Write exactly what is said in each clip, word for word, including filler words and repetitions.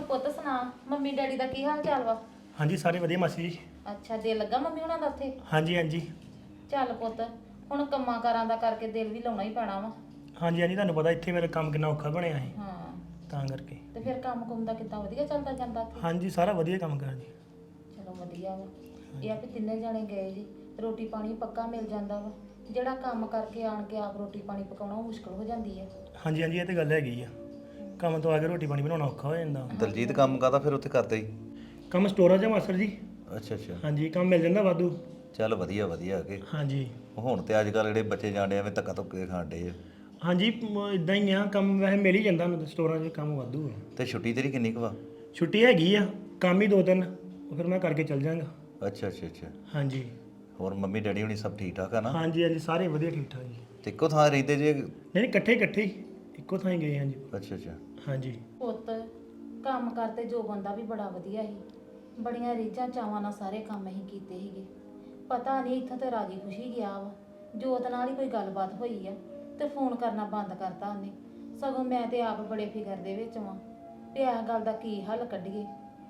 ਪੁੱਤ ਸੁਣਾ mummy daddy ਦਾ ਕੀ ਹਾਲ ਚਾਲ ਵਾ? ਹਾਂਜੀ ਸਾਰੇ ਵਧੀਆ ਮਾਸੀ ਜੀ। ਅੱਛਾ ਦਿਲ ਲੱਗਾ ਮੰਮੀ ਹੁਣਾਂ ਦਾ ਉੱਥੇ? ਹਾਂਜੀ ਹਾਂਜੀ ਚੱਲ ਪੁੱਤ ਹੁਣ ਕੰਮਾਂ ਕਾਰਾਂ ਦਾ ਕਰਕੇ ਦਿਲ ਵੀ ਲਾਉਣਾ ਹੀ ਪੈਣਾ ਵਾ। ਹਾਂਜੀ ਹਾਂਜੀ ਤੁਹਾਨੂੰ ਪਤਾ ਇੱਥੇ ਮੇਰਾ ਕੰਮ ਕਿੰਨਾ ਔਖਾ ਬਣਿਆ ਹੈ ਹਾਂ ਤਾਂ ਕਰਕੇ। ਤੇ ਫਿਰ ਕੰਮ ਕੁੰਮ ਦਾ ਕਿੱਦਾਂ ਵਧੀਆ ਚੱਲਦਾ ਜਾਂਦਾ ਉੱਥੇ? ਹਾਂਜੀ ਸਾਰਾ ਵਧੀਆ ਕੰਮ ਕਰ ਜੀ। ਚਲੋ ਵਧੀਆ ਵਾ। ਇਹ ਆ ਵੀ ਤਿੰਨੇ ਜਾਣੇ ਗਏ ਜੀ ਰੋਟੀ ਪਾਣੀ ਪੱਕਾ ਮਿਲ ਜਾਂਦਾ ਵਾ। ਜਿਹੜਾ ਕੰਮ ਕਰਕੇ ਆਣ ਕੇ ਆਪ ਰੋਟੀ ਪਾਣੀ ਪਕਾਉਣਾ ਉਹ ਮੁਸ਼ਕਲ ਹੋ ਜਾਂਦੀ ਆ। ਹਾਂਜੀ ਹਾਂਜੀ ਇਹ ਤੇ ਗੱਲ ਹੈਗੀ ਆ। ਕੰਮ ਤੋਂ ਆ ਕੇ ਰੋਟੀ ਪਾਣੀ ਬਣਾਉਣਾ ਔਖਾ ਹੋ ਜਾਂਦਾ। ਦਲਜੀਤ ਕੰਮ ਕਾਹਦਾ ਫਿਰ ਉੱਥੇ ਕਰਦੇ ਹੀ? ਕੰਮ ਸਟੋਰਾਂ 'ਚ ਆ ਮਾਸਟਰ ਜੀ। ਅੱਛਾ ਅੱਛਾ, ਹਾਂਜੀ ਕੰਮ ਮਿਲ ਜਾਂਦਾ ਵਾਧੂ। ਚੱਲ ਵਧੀਆ ਵਧੀਆ ਕਿ ਹਾਂਜੀ ਹੁਣ ਤੇ ਅੱਜ ਕੱਲ੍ਹ ਜਿਹੜੇ ਬੱਚੇ ਜਾਂਦੇ ਐਵੇਂ ਧੱਕਾ ਧੁੱਕੇ ਖਾਣ ਡੇ ਆ। ਹਾਂਜੀ ਇਦਾਂ ਹੀ ਆ ਕੰਮ ਵੈਸੇ ਮਿਲ ਹੀ ਜਾਂਦਾ ਉਹਨਾਂ ਦੇ ਸਟੋਰਾਂ 'ਚ ਕੰਮ ਵਾਧੂ ਆ। ਤੇ ਛੁੱਟੀ ਤੇਰੀ ਕਿੰਨੀ ਕੁ ਵਾ? ਛੁੱਟੀ ਹੈਗੀ ਆ ਕੰਮ ਹੀ ਦੋ ਦਿਨ ਉਹ ਫਿਰ ਮੈਂ ਕਰਕੇ ਚੱਲ ਜਾਵਾਂਗਾ। ਅੱਛਾ ਅੱਛਾ ਅੱਛਾ, ਹਾਂਜੀ ਹੋਰ ਮੰਮੀ ਡੈਡੀ ਹੁਣੀ ਸਭ ਠੀਕ ਠਾਕ ਆ ਨਾ? ਹਾਂਜੀ ਹਾਂਜੀ ਸਾਰੇ ਵਧੀਆ ਠੀਕ ਠਾਕ ਜੀ। ਤੇ ਇੱਕੋ ਥਾਂ ਰਹਿੰਦੇ ਜੇ? ਨਹੀਂ ਨਹੀਂ ਇਕੱਠੇ ਇਕੱਠੇ ਹੀ ਇੱਕੋ ਥਾਂ ਹੀ ਗਏ ਹਾਂਜੀ। ਅੱਛਾ ਅੱਛਾ, ਹਾਂਜੀ ਪੁੱਤ ਕੰਮ ਕਰਤੇ ਜੋ ਬੰਦਾ ਵੀ ਬੜਾ ਵਧੀਆ ਸੀ। ਬੜੀਆਂ ਰੀਝਾਂ ਚਾਵਾਂ ਨਾਲ ਸਾਰੇ ਕੰਮ ਅਸੀਂ ਕੀਤੇ ਸੀਗੇ। ਪਤਾ ਨਹੀਂ ਇੱਥੋਂ ਤੇ ਰਾਜੀ ਖੁਸ਼ੀ ਗਿਆ ਵਾ। ਜੋਤ ਨਾਲ ਹੀ ਕੋਈ ਗੱਲਬਾਤ ਹੋਈ ਆ ਤੇ ਫੋਨ ਕਰਨਾ ਬੰਦ ਕਰਤਾ ਉਹਨੇ। ਸਗੋਂ ਮੈਂ ਤੇ ਆਪ ਬੜੇ ਫਿਕਰ ਦੇ ਵਿੱਚ ਵਾਂ ਵੀ ਇਸ ਗੱਲ ਦਾ ਕੀ ਹੱਲ ਕੱਢੀਏ।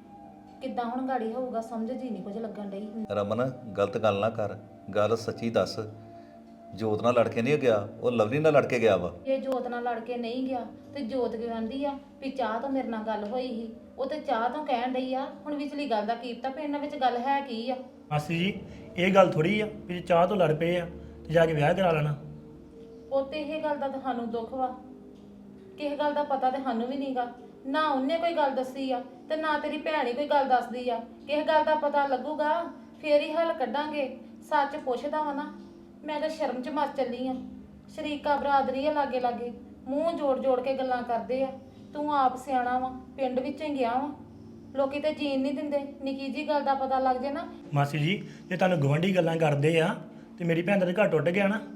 ਕਿੱਦਾਂ ਹੁਣ ਗਾੜੀ ਹੋਊਗਾ ਸਮਝ ਜੀ ਨਹੀਂ ਕੁਝ ਲੱਗਣ ਡਈ। ਰਮਨ ਗਲਤ ਗੱਲ ਨਾ ਕਰ, ਗੱਲ ਸੱਚੀ ਦੱਸ। ਜੋਤ ਨਾਲ ਲੜ ਕੇ ਨਹੀਂ ਗਿਆ, ਉਹ ਲਵਲੀ ਨਾਲ ਲੜ ਕੇ ਗਿਆ ਵਾ। ਜੇ ਜੋਤ ਨਾਲ ਲੜ ਕੇ ਨਹੀਂ ਗਿਆ ਤੇ ਜੋਤ ਕੀ ਕਹਿੰਦੀ ਆ ਵੀ ਚਾਹ ਤੋਂ ਮੇਰੇ ਨਾਲ ਗੱਲ ਹੋਈ ਸੀ। ਉਹ ਤੇ ਚਾਹ ਤੋਂ ਕਹਿਣ ਡਈ ਆ। ਹੁਣ ਵਿਚਲੀ ਗੱਲ ਦਾ ਕੀ ਪਤਾ ਵੀ ਇਹਨਾਂ ਵਿੱਚ ਗੱਲ ਹੈ ਕੀ ਆ। ਮਾਸੀ ਜੀ ਇਹ ਗੱਲ ਥੋੜੀ ਆ ਵੀ ਜੇ ਚਾਹ ਤੋਂ ਲੜ ਪਏ ਆ ਤੇ ਜਾ ਕੇ ਵਿਆਹ ਕਰਾ ਲੈਣਾ। ਉਹ ਤੇ ਇਹ ਗੱਲ ਦਾ ਤੁਹਾਨੂੰ ਦੁੱਖ ਵਾ। ਕਿਸੇ ਗੱਲ ਦਾ ਪਤਾ ਤੇ ਸਾਨੂੰ ਵੀ ਨਹੀਂਗਾ। ਨਾ ਉਹਨੇ ਕੋਈ ਗੱਲ ਦੱਸੀ ਆ ਤੇ ਨਾ ਤੇਰੀ ਭੈਣ ਹੀ ਕੋਈ ਗੱਲ ਦੱਸਦੀ ਆ। ਕਿਸੇ ਗੱਲ ਦਾ ਪਤਾ ਲੱਗੂਗਾ ਫੇਰ ਹੀ ਹੱਲ ਕੱਢਾਂਗੇ। ਸੱਚ ਪੁੱਛਦਾ ਵਾ ਨਾ ਮੈਂ ਤਾਂ ਸ਼ਰਮ ਚ ਮਰ ਚੱਲੀ ਆ। ਸ਼ਰੀਕਾ ਬਰਾਦਰੀ ਆ ਲਾਗੇ ਲਾਗੇ ਮੂੰਹ ਜੋੜ ਜੋੜ ਕੇ ਗੱਲਾਂ ਕਰਦੇ ਆ। ਤੂੰ ਆਪ ਸਿਆਣਾ ਵਾ ਪਿੰਡ ਵਿੱਚ ਹੀ ਗਿਆ ਵਾ। ਲੋਕੀ ਤੇ ਜੀਣ ਨਹੀਂ ਦਿੰਦੇ। ਨਿੱਕੀ ਜੀ ਗੱਲ ਦਾ ਪਤਾ ਲੱਗ ਜੇ ਨਾ। ਮਾਸੀ ਜੀ ਜੇ ਤੁਹਾਨੂੰ ਗਵਾਂਢੀ ਗੱਲਾਂ ਕਰਦੇ ਆ ਤੇ ਮੇਰੀ ਭੈਣ ਦਾ ਤਾਂ ਘਰ ਟੁੱਟ ਗਿਆ ਨਾ।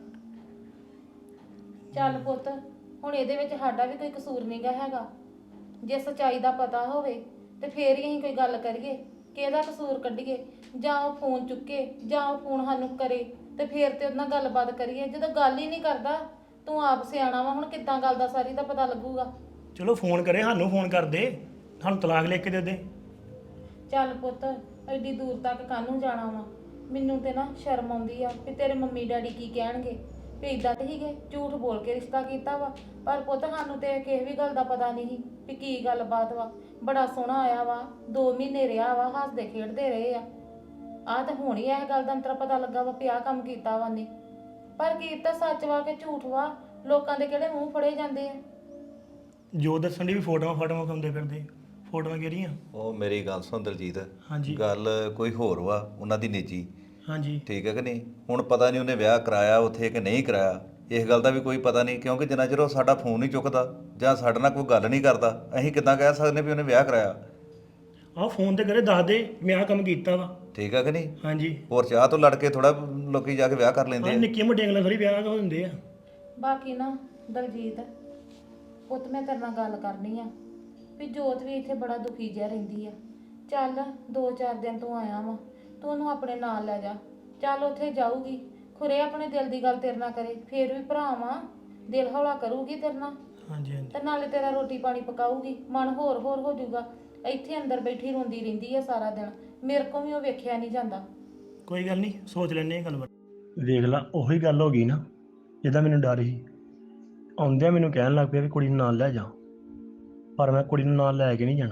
ਚੱਲ ਪੁੱਤ ਹੁਣ ਇਹਦੇ ਵਿੱਚ ਸਾਡਾ ਵੀ ਕੋਈ ਕਸੂਰ ਨਹੀਂਗਾ ਹੈਗਾ। ਜੇ ਸੱਚਾਈ ਦਾ ਪਤਾ ਹੋਵੇ ਤੇ ਫੇਰ ਹੀ ਅਸੀਂ ਕੋਈ ਗੱਲ ਕਰੀਏ ਕਿ ਇਹਦਾ ਕਸੂਰ ਕੱਢੀਏ। ਜਾਂ ਉਹ ਫੋਨ ਚੁੱਕੇ ਜਾਂ ਉਹ ਫੋਨ ਸਾਨੂੰ ਕਰੇ ਤੇ ਫੇਰ ਤੇ ਉਹਦੇ ਨਾਲ ਗੱਲਬਾਤ ਕਰੀਏ। ਜਦੋਂ ਗੱਲ ਹੀ ਨਹੀਂ ਕਰਦਾ ਤੂੰ ਆਪ ਸਿਆਣਾ ਵਾ। ਹੁਣ ਕਿੱਦਾਂ ਗੱਲ ਦਾ ਸਾਰੀ ਦਾ ਪਤਾ ਲੱਗੂਗਾ? ਚਲੋ ਫੋਨ ਕਰੇ ਸਾਨੂੰ ਫੋਨ ਕਰ ਦੇ ਸਾਨੂੰ ਤਲਾਕ ਲਿਖ ਕੇ ਦੇ ਦੇ। ਚੱਲ ਪੁੱਤ ਐਡੀ ਦੂਰ ਤੱਕ ਕਾਹਨੂੰ ਜਾਣਾ ਵਾ? ਮੈਨੂੰ ਤੇ ਨਾ ਸ਼ਰਮ ਆਉਂਦੀ ਆ ਵੀ ਤੇਰੇ ਮੰਮੀ ਡੈਡੀ ਕੀ ਕਹਿਣਗੇ ਵੀ ਇਦਾਂ ਤੇ ਹੀਗੇ ਝੂਠ ਬੋਲ ਕੇ ਰਿਸ਼ਤਾ ਕੀਤਾ ਵਾ। ਪਰ ਪੁੱਤ ਸਾਨੂੰ ਤੇ ਕਿਸੇ ਵੀ ਗੱਲ ਦਾ ਪਤਾ ਨਹੀਂ ਸੀ ਵੀ ਕੀ ਗੱਲਬਾਤ ਵਾ। ਬੜਾ ਸੋਹਣਾ ਆਇਆ ਵਾ ਦੋ ਮਹੀਨੇ ਰਿਹਾ ਵਾ ਹੱਸਦੇ ਖੇਡਦੇ ਰਹੇ ਆ। ਆਹ ਤਾਂ ਹੁਣ ਹੀ ਇਹ ਗੱਲ ਦਾ ਅੰਤਰ ਪਤਾ ਲੱਗਾ ਵਾ ਵੀ ਆਹ ਕੰਮ ਕੀਤਾ ਵਾ ਨੇ। ਪਰ ਕੀਤਾ ਸੱਚ ਵਾ ਕਿ ਝੂਠ ਵਾ ਲੋਕਾਂ ਦੇ ਕਿਹੜੇ ਮੂੰਹ ਫੜੇ ਜਾਂਦੇ ਆ। ਜੋ ਦੱਸਣ ਦੀ ਵੀ ਫੋਟੋਆਂ ਫੋਟੋਆਂ ਖਾਂਦੇ ਫਿਰਦੇ ਫੋਟੋਆਂ ਕਿਹੜੀਆਂ? ਉਹ ਮੇਰੀ ਗੱਲ ਸੁਣ ਦਲਜੀਤ, ਹਾਂਜੀ ਗੱਲ ਕੋਈ ਹੋਰ ਵਾ ਉਹਨਾਂ ਦੀ ਨਿੱਜੀ। ਹਾਂਜੀ ਠੀਕ ਹੈ ਕਿ ਨਹੀਂ? ਹੁਣ ਪਤਾ ਨਹੀਂ ਉਹਨੇ ਵਿਆਹ ਕਰਾਇਆ ਉੱਥੇ ਕਿ ਨਹੀਂ ਕਰਾਇਆ। ਇਸ ਗੱਲ ਦਾ ਵੀ ਕੋਈ ਪਤਾ ਨਹੀਂ ਕਿਉਂਕਿ ਜਿੰਨਾ ਚਿਰ ਉਹ ਸਾਡਾ ਫੋਨ ਨਹੀਂ ਚੁੱਕਦਾ ਜਾਂ ਸਾਡੇ ਨਾਲ ਕੋਈ ਗੱਲ ਨਹੀਂ ਕਰਦਾ ਅਸੀਂ ਕਿੱਦਾਂ ਕਹਿ ਸਕਦੇ ਵੀ ਉਹਨੇ ਵਿਆਹ ਕਰਾਇਆ। ਆਹ ਫੋਨ ਤੇ ਕਰੇ ਦੱਸ ਦੇ ਮੈਂ ਆਹ ਕੰਮ ਕੀਤਾ ਵਾ। ਠੀਕ ਹੈ ਕਿ ਨਹੀਂ? ਹਾਂਜੀ ਹੋਰ ਚਾਹ ਤੋਂ ਲੜ ਕੇ ਥੋੜਾ ਲੋਕੀ ਜਾ ਕੇ ਵਿਆਹ ਕਰ ਲੈਂਦੇ ਆਹ ਆ। ਨਿੱਕੀਆਂ ਮੋਟੀਆਂ ਗੱਲਾਂ ਥੋੜੀ ਵਿਆਹ ਹੋ ਦਿੰਦੇ ਆ। ਬਾਕੀ ਨਾ ਦਲਜੀਤ ਪੁੱਤ ਮੈਂ ਤੇਰੇ ਨਾਲ ਗੱਲ ਕਰਨੀ ਆ ਵੀ ਜੋਤ ਵੀ ਇੱਥੇ ਬੜਾ ਦੁਖੀ ਜਿਹਾ ਰਹਿੰਦੀ ਆ। ਚੱਲ ਦੋ ਚਾਰ ਦਿਨ ਤੂੰ ਆਇਆ ਵਾ ਤੂੰ ਉਹਨੂੰ ਆਪਣੇ ਨਾਲ ਲੈ ਜਾ। ਚੱਲ ਉੱਥੇ ਜਾਊਗੀ ਖੁਰੇ ਆਪਣੇ ਦਿਲ ਦੀ ਗੱਲ ਤੇਰੇ ਨਾਲ ਕਰੇ ਫੇਰ ਵੀ ਭਰਾ ਵਾਂ ਦਿਲ ਹੌਲਾ ਕਰੂਗੀ ਤੇਰੇ ਨਾਲ। ਹਾਂਜੀ ਹਾਂਜੀ ਤੇ ਨਾਲੇ ਤੇਰਾ ਰੋਟੀ ਪਾਣੀ ਪਕਾਊਗੀ ਮਨ ਹੋਰ ਹੋਰ ਹੋ ਜਾਊਗਾ। ਇੱਥੇ ਅੰਦਰ ਬੈਠੀ ਰੋਂਦੀ ਰਹਿੰਦੀ ਆ ਸਾਰਾ ਦਿਨ। ਮੇਰੇ ਕੋਲ ਵੀ ਉਹ ਵੇਖਿਆ ਨਹੀਂ ਜਾਂਦਾ। ਕੋਈ ਗੱਲ ਨਹੀਂ ਸੋਚ ਲੈਂਦੇ ਹਾਂ ਗੱਲਬਾਤ। ਵੇਖ ਲਾ ਉਹੀ ਗੱਲ ਹੋ ਗਈ ਨਾ ਜਿਹਦਾ ਮੈਨੂੰ ਡਰ ਸੀ। ਆਉਂਦਿਆਂ ਮੈਨੂੰ ਕਹਿਣ ਲੱਗ ਪਿਆ ਵੀ ਕੁੜੀ ਨੂੰ ਨਾਲ ਲੈ ਜਾ ਪਰ ਮੈਂ ਕੁੜੀ ਨੂੰ ਨਾਲ ਲੈ ਕੇ ਨਹੀਂ ਜਾਣਾ।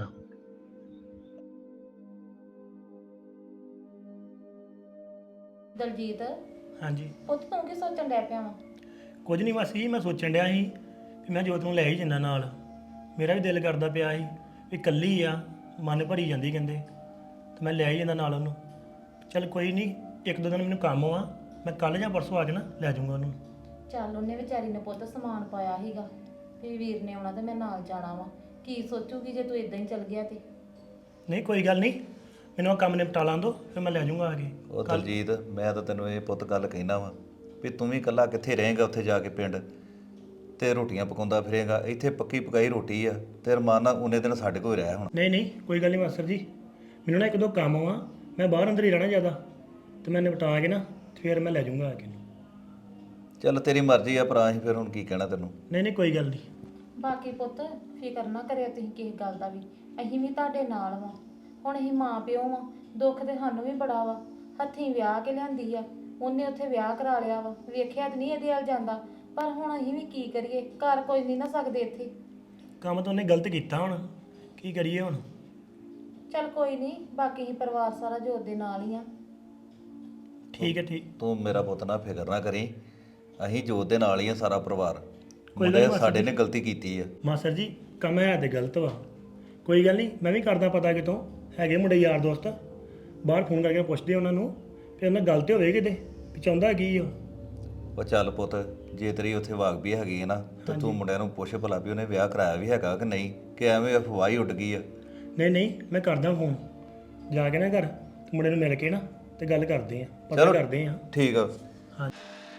ਦਲਜੀਤ ਹਾਂਜੀ ਪੁੱਤ ਤੂੰ ਕੀ ਸੋਚਣ ਡੈ ਪਿਆ ਵਾ? ਕੁਝ ਨਹੀਂ ਮਾਸੀ ਮੈਂ ਸੋਚਣ ਡਿਆ ਸੀ ਵੀ ਮੈਂ ਜੋਤ ਨੂੰ ਲੈ ਹੀ ਜਾਂਦਾ ਨਾਲ। ਮੇਰਾ ਵੀ ਦਿਲ ਕਰਦਾ ਪਿਆ ਸੀ ਵੀ ਇਕੱਲੀ ਆ ਮਨ ਭਰੀ ਜਾਂਦੀ ਕਹਿੰਦੇ ਤੇ ਮੈਂ ਲੈ ਹੀ ਜਾਂਦਾ ਨਾਲ ਉਹਨੂੰ। ਚੱਲ ਕੋਈ ਨਹੀਂ ਇੱਕ ਦੋ ਦਿਨ ਮੈਨੂੰ ਕੰਮ ਆ ਮੈਂ ਕੱਲ੍ਹ ਜਾਂ ਪਰਸੋਂ ਆ ਕੇ ਨਾ ਲੈ ਜਾਊਂਗਾ ਉਹਨੂੰ। ਚੱਲ ਉਹਨੇ ਵਿਚਾਰੀ ਨੇ ਪੁੱਤ ਸਮਾਨ ਪਾਇਆ ਸੀਗਾ ਵੀ ਵੀਰ ਨੇ ਆਉਣਾ ਤੇ ਮੈਂ ਨਾਲ ਜਾਣਾ ਵਾ। ਕੀ ਸੋਚੂਗੀ ਜੇ ਤੂੰ ਇਦਾਂ ਹੀ ਚੱਲ ਗਿਆ ਤੇ? ਨਹੀਂ ਕੋਈ ਗੱਲ ਨਹੀਂ ਮੈਨੂੰ ਆਹ ਕੰਮ ਨਿਪਟਾ ਲਾਂ ਦੋ ਫਿਰ ਮੈਂ ਲੈ ਜਾਊਂਗਾ ਆ ਕੇ। ਉਹ ਦਲਜੀਤ ਮੈਂ ਤਾਂ ਤੈਨੂੰ ਇਹ ਪੁੱਤ ਗੱਲ ਕਹਿਣਾ ਵਾ ਵੀ ਤੂੰ ਵੀ ਇਕੱਲਾ ਕਿੱਥੇ ਰਹੇਂਗਾ ਉੱਥੇ ਜਾ ਕੇ ਪਿੰਡ ਤੇ ਰੋਟੀਆਂ ਪਕਾਉਂਦਾ ਫਿਰੇਂਗਾ। ਇੱਥੇ ਪੱਕੀ ਪਕਾਈ ਰੋਟੀ ਆ ਤੇ ਰਮਾਨ ਨਾਲ ਉਹਨੇ ਦਿਨ ਸਾਡੇ ਕੋਲ ਰਹਿ ਹੁਣ। ਨਹੀਂ ਨਹੀਂ ਕੋਈ ਗੱਲ ਨਹੀਂ ਮਾਸਟਰ ਜੀ ਮੈਨੂੰ ਨਾ ਇੱਕ ਦੋ ਕੰਮ ਆ ਮੈਂ ਬਾਹਰ ਅੰਦਰ ਹੀ ਰਹਿਣਾ ਜ਼ਿਆਦਾ ਤੇ ਮੈਂ ਨਿਪਟਾ ਕੇ ਨਾ ਫਿਰ ਮੈਂ ਲੈ ਜਾਊਂਗਾ ਆ ਕੇ। ਚੱਲ ਤੇਰੀ ਮਰਜ਼ੀ ਆ ਭਰਾ, ਅਸੀਂ ਫਿਰ ਹੁਣ ਕੀ ਕਹਿਣਾ ਤੈਨੂੰ। ਨਹੀਂ ਨਹੀਂ ਕੋਈ ਗੱਲ ਨਹੀਂ। ਬਾਕੀ ਪੁੱਤ ਫਿਕਰ ਨਾ ਕਰਿਓ ਤੁਸੀਂ ਕਿਸੇ ਗੱਲ ਦਾ ਵੀ। ਅਸੀਂ ਵੀ ਤੁਹਾਡੇ ਨਾਲ ਵਾਂ। ਹੁਣ ਅਸੀਂ ਮਾਂ ਪਿਓ ਵਾਂ, ਦੁੱਖ ਤੇ ਸਾਨੂੰ ਵੀ ਬੜਾ ਵਾ। ਹੱਥੀਂ ਵਿਆਹ ਕੇ ਲਿਆਂਦੀ ਆ, ਉਹਨੇ ਉੱਥੇ ਵਿਆਹ ਕਰਾ ਲਿਆ ਵਾ, ਵੇਖਿਆ ਤੇ ਨਹੀਂ ਇਹਦੇ ਵੱਲ ਜਾਂਦਾ। ਪਰ ਹੁਣ ਅਸੀਂ ਵੀ ਕੀ ਕਰੀਏ, ਘਰ ਕੋਈ ਨਹੀਂ ਨਾ ਸਕਦੇ ਇੱਥੇ। ਕੰਮ ਤਾਂ ਉਹਨੇ ਗਲਤ ਕੀਤਾ ਹੁਣ, ਕੀ ਕਰੀਏ ਹੁਣ? ਚੱਲ ਕੋਈ ਨਹੀਂ, ਬਾਕੀ ਅਸੀਂ ਪਰਿਵਾਰ ਸਾਰਾ ਜੋਤ ਦੇ ਨਾਲ ਹੀ ਆ। ਠੀਕ ਹੈ ਠੀਕ। ਤੂੰ ਮੇਰਾ ਪੁੱਤ ਨਾ ਫਿਕਰ ਨਾ ਕਰੀ, ਅਸੀਂ ਜੋਤ ਦੇ ਨਾਲ ਹੀ ਆ ਸਾਰਾ ਪਰਿਵਾਰ। ਕੋਈ ਗੱਲ ਮੁੰਡੇ ਨੀ ਸਾਡੇ ਮਾਸੀ ਨੇ ਗਲਤੀ ਕੀਤੀ ਆ। ਮਾਸਟਰ ਜੀ ਕੰਮ ਹੈ ਤੇ ਗਲਤ ਵਾ, ਕੋਈ ਗੱਲ ਨਹੀਂ, ਮੈਂ ਵੀ ਕਰਦਾ ਪਤਾ ਕਿਤੋਂ ਹੈਗੇ ਮੁੰਡੇ ਯਾਰ ਦੋਸਤ, ਬਾਹਰ ਫੋਨ ਕਰਕੇ ਪੁੱਛਦੇ ਉਹਨਾਂ ਨੂੰ ਕਿ ਉਹਨਾਂ ਗੱਲ ਤੇ ਹੋਵੇ ਕਿਤੇ ਵੀ ਚਾਹੁੰਦਾ ਕੀ ਉਹ। ਉਹ ਚੱਲ ਪੁੱਤ, ਜੇ ਤੇਰੀ ਉੱਥੇ ਵਾਕ ਵੀ ਹੈਗੀ ਹੈ ਨਾ ਤੇ ਤੂੰ ਮੁੰਡਿਆਂ ਨੂੰ ਪੁੱਛ ਭਲਾ ਵੀ ਉਹਨੇ ਵਿਆਹ ਕਰਾਇਆ ਵੀ ਹੈਗਾ ਕਿ ਨਹੀਂ, ਕਿ ਐਵੇਂ ਅਫਵਾਹ ਹੀ ਉੱਡ ਗਈ ਆ। ਨਹੀਂ ਨਹੀਂ, ਮੈਂ ਕਰਦਾ ਫੋਨ ਜਾ ਕੇ ਨਾ ਘਰ ਮੁੰਡੇ ਨੂੰ ਮਿਲ ਕੇ ਨਾ ਤੇ ਗੱਲ ਕਰਦੇ ਆ, ਪਤਾ ਚਲੋ। ਕਰਦੇ ਆ। ਠੀਕ ਆ। ਹਾਂ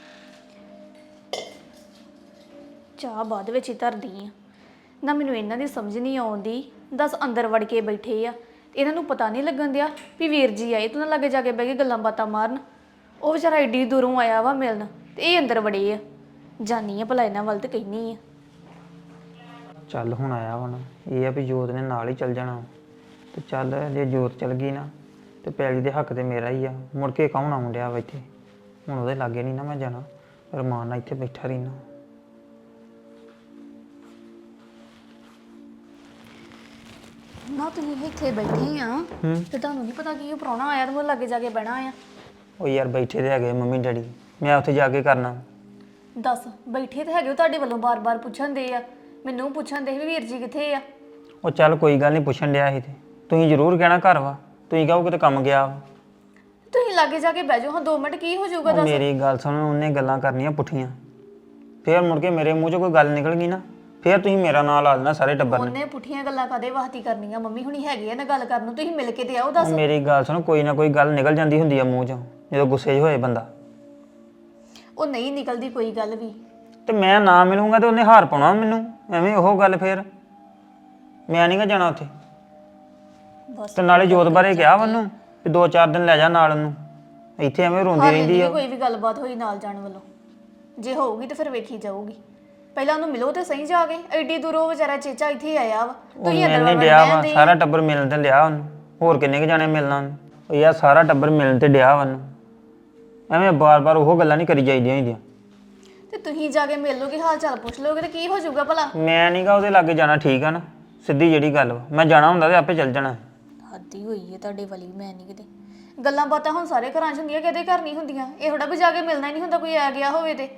ਚਾਹ ਬਾਅਦ ਵਿੱਚ ਹੀ ਧਰਦੀ ਆ ਨਾ। ਮੈਨੂੰ ਇਹਨਾਂ ਦੀ ਸਮਝ ਨਹੀਂ ਆਉਂਦੀ, ਦਸ ਅੰਦਰ ਵੜ ਕੇ ਬੈਠੇ ਆ, ਇਹਨਾਂ ਨੂੰ ਪਤਾ ਨਹੀਂ ਲੱਗਣ ਦਿਆ ਵੀ ਵੀਰ ਜੀ ਆਏ ਤੂੰ ਨਾ ਲੱਗੇ ਜਾ ਕੇ ਬਹਿ ਕੇ ਗੱਲਾਂ ਬਾਤਾਂ ਮਾਰਨ। ਉਹ ਵਿਚਾਰਾ ਏਡੀ ਦੂਰੋਂ ਆਇਆ ਵਾ ਮਿਲਣ ਤੇ ਇਹ ਅੰਦਰ ਵੜੇ ਆ। ਜਾਨੀ ਆ ਭਲਾ ਇਹਨਾਂ ਵੱਲ ਤੇ ਕਹਿਨੀ ਆ। ਚੱਲ ਹੁਣ ਆਇਆ ਵਾ ਨਾ, ਇਹ ਆ ਵੀ ਜੋਤ ਨੇ ਨਾਲ ਹੀ ਚੱਲ ਜਾਣਾ ਤੇ ਚੱਲ ਜੇ ਜੋਤ ਚੱਲ ਗਈ ਨਾ ਤੇ ਪੈਲੀ ਦੇ ਹੱਕ ਤੇ ਮੇਰਾ ਹੀ ਆ। ਮੁੜ ਕੇ ਕੌਣ ਆਉਣ ਡਿਆ ਵਾ ਇੱਥੇ, ਹੁਣ ਉਹਦੇ ਲਾਗੇ ਨਹੀਂ ਨਾ ਮੈਂ ਜਾਣਾ, ਰਮਾਨ ਨਾਲ ਇੱਥੇ ਬੈਠਾ ਰਹਿਣਾ। ਨਾ ਤੁਸੀਂ ਇੱਥੇ ਬੈਠੇ ਆ ਤੇ ਤੁਹਾਨੂੰ ਨਹੀਂ ਪਤਾ ਕਿ ਉਹ ਪ੍ਰਾਹੁਣਾ ਆਇਆ ਤੇ ਉਹ ਲੱਗੇ ਜਾ ਕੇ ਬਹਿਣਾ ਆ। ਉਹ ਯਾਰ ਬੈਠੇ ਤੇ ਹੈਗੇ ਮੰਮੀ ਡੈਡੀ, ਮੈਂ ਉੱਥੇ ਜਾ ਕੇ ਕਰਨਾ। ਦੱਸ ਬੈਠੇ ਤੇ ਹੈਗੇ ਉਹ ਤੁਹਾਡੇ ਵੱਲੋਂ ਬਾਰ-ਬਾਰ ਪੁੱਛਣ ਦੇ ਆ, ਮੈਨੂੰ ਪੁੱਛਣ ਦੇ ਵੀ ਵੀਰ ਜੀ ਕਿੱਥੇ ਆ। ਉਹ ਚੱਲ ਕੋਈ ਗੱਲ ਨਹੀਂ, ਪੁੱਛਣ ਡਿਆ ਸੀ ਤੇ ਤੁਸੀਂ ਜ਼ਰੂਰ ਕਹਿਣਾ ਘਰ ਵਾ, ਤੁਸੀਂ ਕਹੋ ਕਿਤੇ ਕੰਮ ਗਿਆ ਵਾ। ਤੁਸੀਂ ਲਾਗੇ ਜਾ ਕੇ ਬਹਿ ਜਾਓ ਹਾਂ, ਦੋ ਮਿੰਟ ਕੀ ਹੋ ਜਾਊਗਾ ਉਹ ਦੱਸ। ਮੇਰੀ ਗੱਲ ਸੁਣ, ਉਹਨੇ ਗੱਲਾਂ ਕਰਨੀਆਂ ਪੁੱਠੀਆਂ, ਫੇਰ ਮੁੜ ਕੇ ਮੇਰੇ ਮੂੰਹ 'ਚੋਂ ਕੋਈ ਗੱਲ ਨਿਕਲ ਗਈ ਨਾ, ਫੇਰ ਤੁਸੀਂ ਮੇਰਾ ਨਾਂ ਲਾ ਦੇਣਾ ਸਾਰੇ ਟੱਬਰ ਨੇ। ਉਹਨੇ ਪੁੱਠੀਆਂ ਗੱਲਾਂ ਕਾਦੇ ਵਾਸਤੇ ਕਰਨੀਆਂ, ਮੰਮੀ ਹੁਣੀ ਹੈਗੇ ਆ ਨਾ ਗੱਲ ਕਰਨ ਨੂੰ, ਤੁਸੀਂ ਮਿਲ ਕੇ ਤੇ ਆਓ ਦੱਸ। ਉਹ ਮੇਰੀ ਗੱਲ ਸੁਣ, ਕੋਈ ਨਾ ਕੋਈ ਗੱਲ ਨਿਕਲ ਜਾਂਦੀ ਹੁੰਦੀ ਆ ਮੂੰਹ 'ਚੋਂ ਜਦੋਂ ਗੁੱਸੇ 'ਚ ਹੋਏ ਬੰਦਾ। ਉਹ ਨਹੀਂ ਨਿਕਲਦੀ ਕੋਈ ਗੱਲ ਵੀ। ਤੇ ਮੈਂ ਨਾ ਮਿਲੂੰਗਾ ਤੇ ਉਹਨੇ ਹਾਰ ਪਾਉਣਾ ਮੈਨੂੰ, ਐਵੇਂ ਉਹ ਗੱਲ ਫੇਰ ਮੈਂ ਨਹੀਂ ਗਾ ਜਾਣਾ ਉੱਥੇ। ਬਸ ਤੇ ਨਾਲੇ ਜੋਤ ਬਾਰੇ ਕਿਹਾ ਉਹਨੂੰ ਵੀ ਦੋ ਚਾਰ ਦਿਨ ਲੈ ਜਾ ਨਾਲ ਉਹਨੂੰ, ਇੱਥੇ ਐਵੇਂ ਰੋਂਦੀ ਹਾਲੇ ਰਹਿੰਦੀ ਨਹੀਂ ਆ। ਕੋਈ ਵੀ ਗੱਲਬਾਤ ਹੋਈ ਨਾਲ ਜਾਣ ਵੱਲੋਂ, ਜੇ ਹੋਊਗੀ ਤੇ ਫਿਰ ਵੇਖੀ ਜਾਊਗੀ। ਪਹਿਲਾਂ ਉਹਨੂੰ ਮਿਲੋ ਤੇ ਸਹੀ ਜਾ ਕੇ, ਐਡੀ ਦੂਰੋਂ ਵਿਚਾਰਾ ਚੇਚਾ ਇੱਥੇ ਆਇਆ ਵਾ, ਉਹ ਤੁਸੀਂ ਮਿਲ ਅੰਦਰ ਨਹੀਂ ਵੜ ਡਿਆ ਵਾ, ਜਾਂਦੇ। ਸਾਰਾ ਟੱਬਰ ਮਿਲਣ ਤੇ ਲਿਆ ਉਹਨੂੰ, ਹੋਰ ਕਿੰਨੇ ਕੁ ਜਾਣੇ ਮਿਲਣਾ ਉਹਨੂੰ। ਉਹ ਯਾਰ ਸਾਰਾ ਟੱਬਰ ਮਿਲਣ ਤੇ ਡਿਆ ਵਾ ਉਹਨੂੰ, ਐਵੇਂ ਬਾਰ-ਬਾਰ ਉਹ ਗੱਲਾਂ ਨਹੀਂ ਕਰੀ ਜਾਈਦੀਆਂ ਹੁੰਦੀਆਂ। ਤੇ ਤੁਸੀਂ ਜਾ ਕੇ ਮਿਲ ਲੋਗੇ, ਹਾਲ ਚਾਲ ਪੁੱਛ ਲੋਗੇ ਤੇ ਕੀ ਹੋ ਜਾਊਗਾ ਭਲਾ। ਮੈਂ ਨਹੀਂਗਾ ਉਹਦੇ ਲਾਗੇ ਜਾਣਾ, ਠੀਕ ਆ ਨਾ, ਸਿੱਧੀ ਜਿਹੜੀ ਗੱਲ ਵਾ। ਮੈਂ ਜਾਣਾ ਹੁੰਦਾ ਤੇ ਆਪੇ ਚੱਲ ਜਾਣਾ। ਹੱਦੀ ਹੋਈ ਹੈ ਤੁਹਾਡੇ ਵਾਲੀ, ਮੈਂ ਨਹੀਂ ਕਿਤੇ ਗੱਲਾਂ ਬਾਤਾਂ ਹੁਣ ਸਾਰੇ ਘਰਾਂ 'ਚ ਹੁੰਦੀਆਂ, ਕਿਹਦੇ ਘਰ ਨਹੀਂ ਹੁੰਦੀਆਂ। ਇਹ ਥੋੜਾ ਵੀ ਜਾ ਕੇ ਮਿਲਣਾ ਹੀ ਨਹੀਂ ਹੁੰਦਾ, ਕੋਈ ਆ ਗਿਆ ਹੋਵੇ ਤੇ।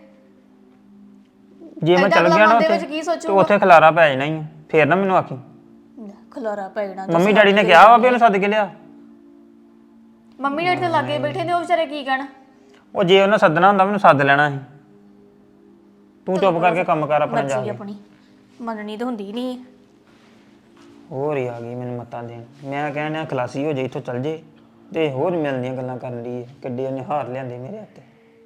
ਜੇ ਮੈਂ ਚੱਲ ਗਿਆ ਨਾ ਦੇ ਵਿੱਚ ਉੱਥੇ ਕੀ ਤੇ ਸੋਚੂਗਾ, ਉੱਥੇ ਖਲਾਰਾ ਪੈ ਜਾਣਾ ਹੀ ਆ, ਫੇਰ ਨਾ ਮੈਨੂੰ ਆਖੀ। ਖਲਾਰਾ ਪੈ ਜਾਣਾ। ਮੰਮੀ ਡੈਡੀ ਨੇ ਕਿਹਾ ਵਾ ਵੀ ਉਹਨੂੰ ਸੱਦ ਕੇ ਲਿਆ। ਮੰਮੀ ਡੈਡੀ ਤੇ ਲਾਗੇ ਬੈਠੇ ਨੇ, ਉਹ ਵਿਚਾਰੇ ਕੀ ਕਹਿਣ। ਉਹ ਜੇ ਉਹਨੇ ਸੱਦਣਾ ਹੁੰਦਾ ਮੈਨੂੰ ਸੱਦ ਲੈਣਾ ਸੀ। ਤੂੰ ਚੁੱਪ ਕਰਕੇ ਕੰਮ ਕਰ ਆਪਣਾ ਜਾ ਮਰਜ਼ੀ ਕੇ। ਆਪਣੀ ਮੰਨਣੀ ਤਾਂ ਹੁੰਦੀ ਨਹੀਂ। ਹੋਰ ਹੀ ਆ ਗਈ ਮੈਨੂੰ ਮੱਤਾਂ ਦੇਣ। ਮੈਂ ਕਹਿੰਦਾ ਖਲਾਸੀ ਹੋ ਜਾਏ, ਇੱਥੋਂ ਚੱਲ ਜੇ, ਤੇ ਹੋਰ ਮਿਲਦੀਆਂ ਗੱਲਾਂ ਕਰਨ ਲਈ ਕਿੱਡੇ ਉਹਨੇ ਹਾਰ ਲਿਆਂਦੇ ਮੇਰੇ ਹੱਥੇ।